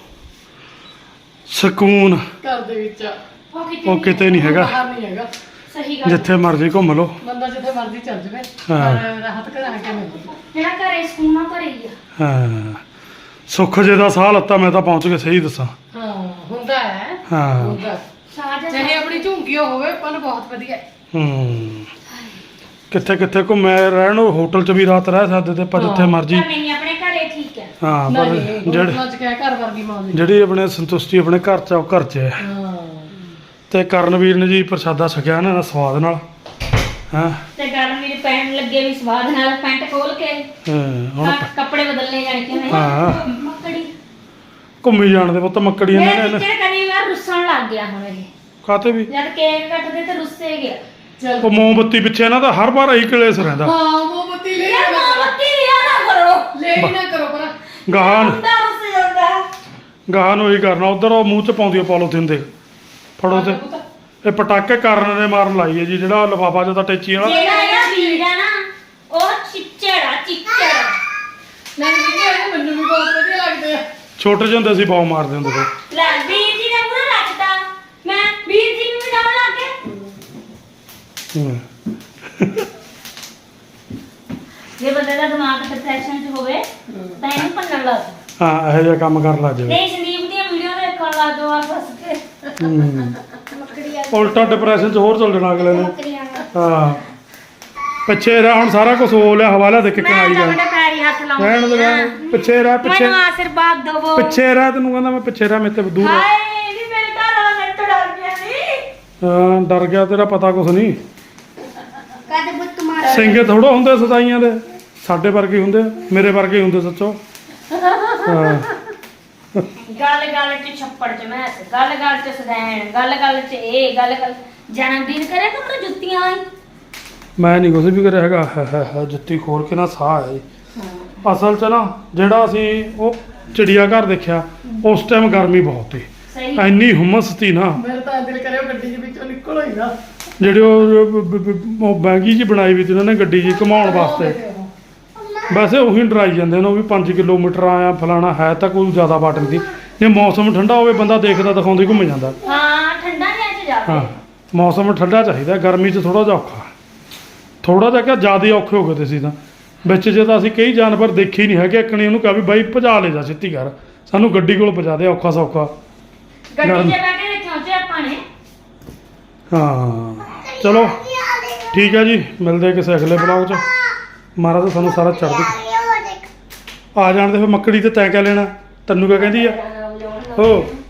S1: ਸਕੂਨ
S5: ਘਰ ਦੇ ਵਿੱਚ ਆ।
S1: ਉਹ ਕਿਤੇ ਨਹੀਂ ਹੈਗਾ
S5: ਬਾਹਰ ਨਹੀਂ ਹੈਗਾ।
S3: ਸਹੀ ਗੱਲ
S1: ਜਿੱਥੇ ਮਰਜ਼ੀ ਘੁੰਮ ਲਓ
S5: ਬੰਦਾ ਜਿੱਥੇ ਮਰਜ਼ੀ ਚੱਲ ਜਾਵੇ
S1: ਹਾਂ।
S5: ਪਰ ਰਾਹਤ ਘਰਾਂ ਕੇ ਮਿਲਦੀ।
S3: ਜਿਹੜਾ ਘਰੇ ਸਕੂਨਾ ਘਰੇ ਹੀ ਆ।
S1: ਹਾਂ ਸੁੱਖ ਜੇ ਦਾ ਸਾਹ ਲੱਤਾ ਮੈਂ ਤਾਂ ਪਹੁੰਚ ਗਿਆ ਸਹੀ ਦੱਸਾਂ
S5: ਹਾਂ ਹੁੰਦਾ ਹੈ
S1: ਹਾਂ
S5: ਹੁੰਦਾ
S3: ਸਾਜ
S5: ਚਾਹੇ ਆਪਣੀ ਝੁੰਕੀਓ ਹੋਵੇ ਪਰ ਬਹੁਤ ਵਧੀਆ ਹੈ।
S1: ਹੂੰ ਕਿੱਥੇ ਕਿੱਥੇ ਘੁੰਮੇ ਰਹਿਣ ਨੂੰ ਹੋਟਲ 'ਚ ਵੀ ਰਾਤ ਰਹਿ ਸਕਦੇ ਤੇ ਪਰ ਜਿੱਥੇ
S5: ਹਾਂ।
S1: ਮਰਜ਼ੀ
S3: ਪਰ ਨਹੀਂ ਆਪਣੇ ਘਰੇ ਠੀਕ ਹੈ।
S1: ਹਾਂ ਪਰ
S5: ਨਹੀਂ
S1: ਜਿਹੜੇ
S5: ਹੋਟਲਾਂ 'ਚ ਕਿਹਾ ਘਰ ਵਰਗੀ ਮੌਜ
S1: ਜਿਹੜੀ ਆਪਣੇ ਸੰਤੁਸ਼ਟੀ ਆਪਣੇ ਘਰ 'ਚ ਆ ਉਹ ਘਰ 'ਚ ਹੈ
S5: ਹਾਂ
S1: ਤੇ ਕਰਨਵੀਰ ਨੇ ਜੀ ਪ੍ਰਸ਼ਾਦਾ ਛਕਿਆ ਇਹਨਾਂ ਦਾ ਸਵਾਦ ਨਾਲ ਹਾਂ
S3: ਤੇ ਗਰਮੀ ਦੇ ਪੈਣ ਲੱਗੇ ਵੀ ਸਵਾਦ ਨਾਲ ਪੈਂਟ ਖੋਲ ਕੇ
S1: ਹਾਂ, ਹੁਣ
S3: ਕੱਪ- ਕੱਪੜੇ ਬਦਲਨੇ ਜਾਣੇ ਕਿ ਨਹੀਂ
S1: ਹਾਂ।
S3: ਮੱਕੜੀ
S1: ਘੁੰਮੀ ਜਾਣ ਦੇ ਪੁੱਤ ਮੱਕੜੀਆਂ
S3: ਮੇਰੇ
S1: ਨੇ
S3: ਟੀਚਰ ਕਦੀ ਵਾਰ ਰੁੱਸਣ ਲੱਗ ਗਿਆ ਹੁਣ ਇਹ
S1: ਕਾਤੇ ਵੀ
S3: ਜਦ ਕੇਕ ਕੱਟਦੇ ਤੇ ਰੁੱਸੇ ਗਿਆ
S5: ਚੱਲ
S1: ਉਹ ਮੋਮਬੱਤੀ ਪਿੱਛੇ ਇਹਨਾਂ ਦਾ ਹਰ ਵਾਰ ਇਹੀ ਕਲੇਸ਼ ਰਹਿੰਦਾ
S5: ਹਾਂ ਮੋਮਬੱਤੀ ਲੈ
S3: ਯਾਰ
S5: ਨਾ ਕਰੋ।
S3: ਮੋਮਬੱਤੀ ਲਿਆ ਨਾ ਕਰੋ
S5: ਲੈ ਹੀ ਨਾ ਕਰੋ ਪਰ
S1: ਗਾਹਾਂ ਨੂੰ-
S3: ਮੁੰਡਾ ਰੁੱਸ ਜਾਂਦਾ
S1: ਗਾਹਾਂ ਨੂੰ ਹੀ ਕਰਨਾ ਉਧਰ ਉਹ ਮੂੰਹ 'ਚ ਪਾਉਂਦੀ ਆ ਪੋਲੋਥੀਨ ਦੇ ਫੜੋ ਤੇ ਇਹ ਪਟਾਕੇ ਕਰਨ ਨੇ ਮਾਰਨ ਲਾਈ ਹੈ ਜੀ ਜਿਹੜਾ ਲਿਫਾਫਾ ਜਿਹਦਾ ਟੈਚੀ ਵਾਲਾ
S3: ਜਿਹੜਾ ਇਹਦਾ ਵੀਰ ਆ ਨਾ ਉਹ ਚਿੱਚੜ ਆ ਚਿੱਚੜ
S5: ਨਹੀਂ ਨਹੀਂ ਮੈਨੂੰ ਵੀ ਬਹੁਤ ਵਧੀਆ ਲੱਗਦੇ ਆ।
S1: ਛੋਟੇ ਜਿਹੇ ਹੁੰਦੇ ਸੀ ਬਾਉ ਮਾਰਦੇ ਹੁੰਦੇ ਸੀ
S3: ਲੈ ਵੀਰ ਜੀ ਨੇ ਪੂਰਾ ਰੱਖਤਾ ਮੈਂ ਵੀਰ ਜੀ ਨੂੰ ਵੀ ਡਾਉਣ ਲੱਗ ਗਿਆ
S1: ਹੂੰ।
S3: ਜੇ ਬੰਦੇ ਦਾ ਦਿਮਾਗ ਡਿਪਰੈਸ਼ਨ 'ਚ ਹੋਵੇ ਤਾਂ ਇਹਨੂੰ ਭੰਨਣ ਲੱਗ ਜਾਓ।
S1: ਹਾਂ ਇਹੋ ਜਿਹਾ ਕੰਮ ਕਰਨ ਲੱਗ ਜਾਵੇ
S3: ਨਹੀਂ ਸੰਦੀਪ ਦੀਆਂ ਵੀਡੀਓ ਦੇਖਣ ਲੱਗ ਜਾਓ ਆ ਫਸ ਕੇ
S1: ਹੂੰ।
S3: ਮੱਕੜੀਆਂ
S1: ਉਲਟਾ ਡਿਪਰੈਸ਼ਨ 'ਚ ਹੋਰ ਚੱਲ ਜਾਣਾ ਅਗਲੇ ਨੇ
S3: ਮੱਕੜੀਆਂ
S1: ਹਾਂ ਪਿੱਛੇ ਰਹਿ ਹੁਣ ਸਾਰਾ ਕੁਝ ਹੋ ਲਿਆ ਹਵਾਲਾ ਦੇ ਕਿੱਕਣ
S3: ਮੈਂ
S1: ਆਈ
S3: ਤੁਹਾਡੇ
S1: ਜਾ
S3: ਪੈਰੀ ਹੱਥ
S1: ਰਹਿਣ ਦੇ ਰਹਿਣ ਦੇ। ਪਿੱਛੇ ਰਹਿ ਪਿੱਛੇ
S3: ਮੈਨੂੰ ਆਸ਼ੀਰਵਾਦ ਦਿਵੋ
S1: ਪਿੱਛੇ ਰਹਿ ਤੈਨੂੰ ਕਹਿੰਦਾ ਮੈਂ ਪਿੱਛੇ ਰਹਿ ਮੇਰੇ ਤੇ ਦੂਰ ਰਹਿ।
S3: ਹਾਏ ਵੀ ਮੇਰੇ ਘਰ ਵਾਲਾ ਮੇਰੇ ਤੋਂ ਡਰ ਗਿਆ ਨਹੀਂ
S1: ਹਾਂ ਡਰ ਗਿਆ ਤੇਰਾ ਪਤਾ ਕੁਛ ਨਹੀਂ
S2: ਕਦ ਬੁੱਤ ਮਾਰ
S1: ਸਿੰਘੇ ਥੋੜਾ ਹੁੰਦੇ ਸਦਾਈਆਂ ਦੇ ਸਾਡੇ ਵਰਗੇ ਹੁੰਦੇ ਆ, ਮੇਰੇ ਵਰਗੇ ਹੁੰਦੇ ਸੱਚੋ ਹਾਂ
S3: ਗੱਲ ਗੱਲ 'ਚ ਛੱਪੜ 'ਚ ਮੈਸ ਗੱਲ ਗੱਲ 'ਚ ਸਦੈਣ ਗੱਲ ਗੱਲ 'ਚ ਇਹ ਗੱਲ ਗੱਲ ਜਨਮ ਦਿਨ ਕਰੇ ਤਾਂ ਮੈਨੂੰ ਜੁੱਤੀਆਂ ਆਈ
S1: ਮੈਂ ਨਹੀਂ ਕੁਛ ਵੀ ਕਰਿਆ ਹੈਗਾ ਹੈ ਹੈ ਹੈ ਜੁੱਤੀ ਖੋਲ ਕੇ ਨਾ ਸਾਹ ਆਇਆ ਜੀ ਅਸਲ 'ਚ ਨਾ ਜਿਹੜਾ ਅਸੀਂ ਉਹ ਚਿੜੀਆ ਘਰ ਦੇਖਿਆ ਉਸ ਟਾਈਮ ਗਰਮੀ ਬਹੁਤ ਸੀ
S3: ਸਹੀ
S1: ਇੰਨੀ ਹੁਮਸ ਸੀ ਨਾ
S5: ਮੇਰਾ ਤਾਂ ਦਿਲ ਕਰਿਆ ਗੱਡੀ ਦੇ ਵਿੱਚੋਂ ਨਿਕਲ ਹੋਈ ਨਾ
S1: ਜਿਹੜੇ ਉਹ ਬ- ਬ- ਬ- ਉਹ ਬੈਗੀ ਜੀ ਬਣਾਈ ਵੀ ਸੀ ਉਹਨਾਂ ਨੇ ਗੱਡੀ ਜੀ ਘੁਮਾਉਣ ਵਾਸਤੇ ਵੈਸੇ ਉਹੀ ਡਰਾਈ ਜਾਂਦੇ ਨੇ ਉਹ ਵੀ ਪੰਜ ਕਿਲੋਮੀਟਰ ਆਇਆ ਫਲਾਣਾ ਹੈ ਤਾਂ ਕੋਈ ਜ਼ਿਆਦਾ ਬਾਟ ਨਹੀਂ ਸੀ ਜੇ ਮੌਸਮ ਠੰਡਾ ਹੋਵੇ ਬੰਦਾ ਦੇਖਦਾ ਦਿਖਾਉਂਦਾ ਹੀ ਘੁੰਮ ਜਾਂਦਾ
S3: ਹਾਂ ਠੰਡਾ ਜਿਹਾ 'ਚ ਜਾਵੇ
S1: ਹਾਂ ਮੌਸਮ ਠੰਡਾ ਚਾਹੀਦਾ ਗਰਮੀ 'ਚ ਥੋੜਾ ਜਿਹਾ ਔਖਾ ਥੋੜਾ ਜਿਹਾ ਕਿ ਜ਼ਿਆਦਾ ਔਖੇ ਹੋ ਗਏ ਤੇ ਸੀ ਤਾਂ ਵਿੱਚ ਜੇ ਤਾਂ ਅਸੀਂ ਕਈ ਜਾਨਵਰ ਦੇਖੇ ਹੀ ਨਹੀਂ ਹੈਗੇ ਇੱਕਣੀ ਉਹਨੂੰ ਕਿਹਾ ਵੀ ਬਾਈ ਭਜਾ ਲੈ ਜਾ ਛੇਤੀ ਕਰ ਸਾਨੂੰ ਗੱਡੀ ਕੋਲ ਪਹੁੰਚਾ ਦੇ ਔਖਾ ਸੌਖਾ
S3: ਗੱਡੀ
S1: ਗਰਮ।
S3: 'ਚ ਬਹਿ ਕੇ ਦੇਖਿਓ ਜੇ ਆਪਾਂ ਨੇ
S1: ਹਾਂ ਚਲੋ ਠੀਕ ਹੈ ਜੀ ਮਿਲਦੇ ਹਾਂ ਕਿਸੇ ਅਗਲੇ ਬਲੌਗ 'ਚ ਮਹਾਰਾਜ ਤਾਂ ਸਾਨੂੰ ਸਾਰਾ ਚੜ੍ਹਦੀ ਆ ਜਾਣ ਦੇ ਫਿਰ ਮੱਕੜੀ ਤੇ ਤੈਂ ਕਿਆ ਲੈਣਾ ਤੈਨੂੰ ਕਿਆ ਕਹਿੰਦੀ ਆ ਹੋ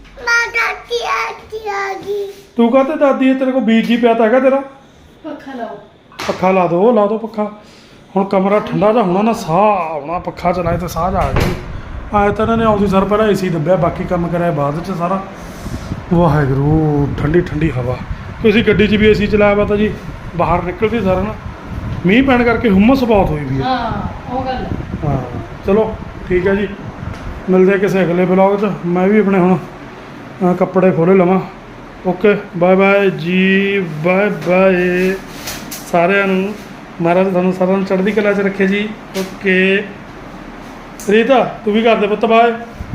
S1: ਤੂੰ ਕਹਤੇ ਦਾਦੀ ਹੈ ਤੇਰੇ ਕੋਲ ਬੀਜ ਜੀ ਪਿਆ ਤਾਂ ਹੈਗਾ ਤੇਰਾ
S5: ਪੱਖਾ ਲਾਓ
S1: ਪੱਖਾ ਲਾ ਦੋ ਲਾ ਦੋ ਪੱਖਾ ਹੁਣ ਕਮਰਾ ਠੰਡਾ ਜਿਹਾ ਹੋਣਾ ਨਾ ਸਾਹ ਆਉਣਾ ਪੱਖਾ ਚਲਾਏ ਤੇ ਸਾਹ ਜਾ ਆ ਗਈ ਆਏ ਤਾਂ ਇਹਨਾਂ ਨੇ ਆਉਂਦੀ ਸਰ ਪਹਿਲਾਂ ਏਸੀ ਦੱਬਿਆ ਬਾਕੀ ਕੰਮ ਕਰਿਆ ਬਾਅਦ ਚ ਸਾਰਾ ਵਾਹਿਗੁਰੂ ਠੰਡੀ ਠੰਡੀ ਹਵਾ ਤੁਸੀਂ ਗੱਡੀ 'ਚ ਵੀ ਏਸੀ ਚਲਾਇਆ ਵਾ ਤਾਂ ਜੀ ਬਾਹਰ ਨਿਕਲਦੀ ਸਾਰਾ ਨਾ ਮੀਂਹ ਪੈਣ ਕਰਕੇ ਹੁਮਸ ਬਹੁਤ ਹੋਈ ਵੀ ਹੈ
S5: ਹਾਂ ਉਹ ਗੱਲ ਹੈ।
S1: ਹਾਂ ਚਲੋ ਠੀਕ ਹੈ ਜੀ ਮਿਲਦੇ ਹਾਂ ਕਿਸੇ ਅਗਲੇ ਬਲੌਗ 'ਚ ਮੈਂ ਵੀ ਆਪਣੇ ਹੁਣ ਅਹ, ਕੱਪੜੇ ਖੋਲੇ ਲਵਾਂ ਓਕੇ ਬਾਏ ਬਾਏ ਜੀ ਬਾਏ ਬਾਏ ਸਾਰਿਆਂ ਨੂੰ ਮਹਾਰਾਜ ਤੁਹਾਨੂੰ ਸਾਰਿਆਂ ਨੂੰ ਚੜ੍ਹਦੀ ਕਲਾ 'ਚ ਰੱਖੇ ਜੀ ਓਕੇ ਰੀਤਾ ਤੂੰ ਵੀ ਕਰ ਦੇ ਪੁੱਤ ਬਾਏ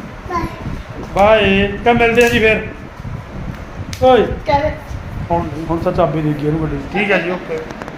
S1: ਬਾਏ ਕਾ ਮਿਲਦੇ ਆ ਜੀ ਫਿਰ ਓਏ
S5: ਕਹਿ ਦੇ
S1: ਹੁਣ ਹੁਣ ਤਾਂ ਚਾਬੀ ਦੇ ਗਈ ਇਹਨੂੰ ਗੱਡੀ ਦੀ। ਠੀਕ ਹੈ ਜੀ ਓਕੇ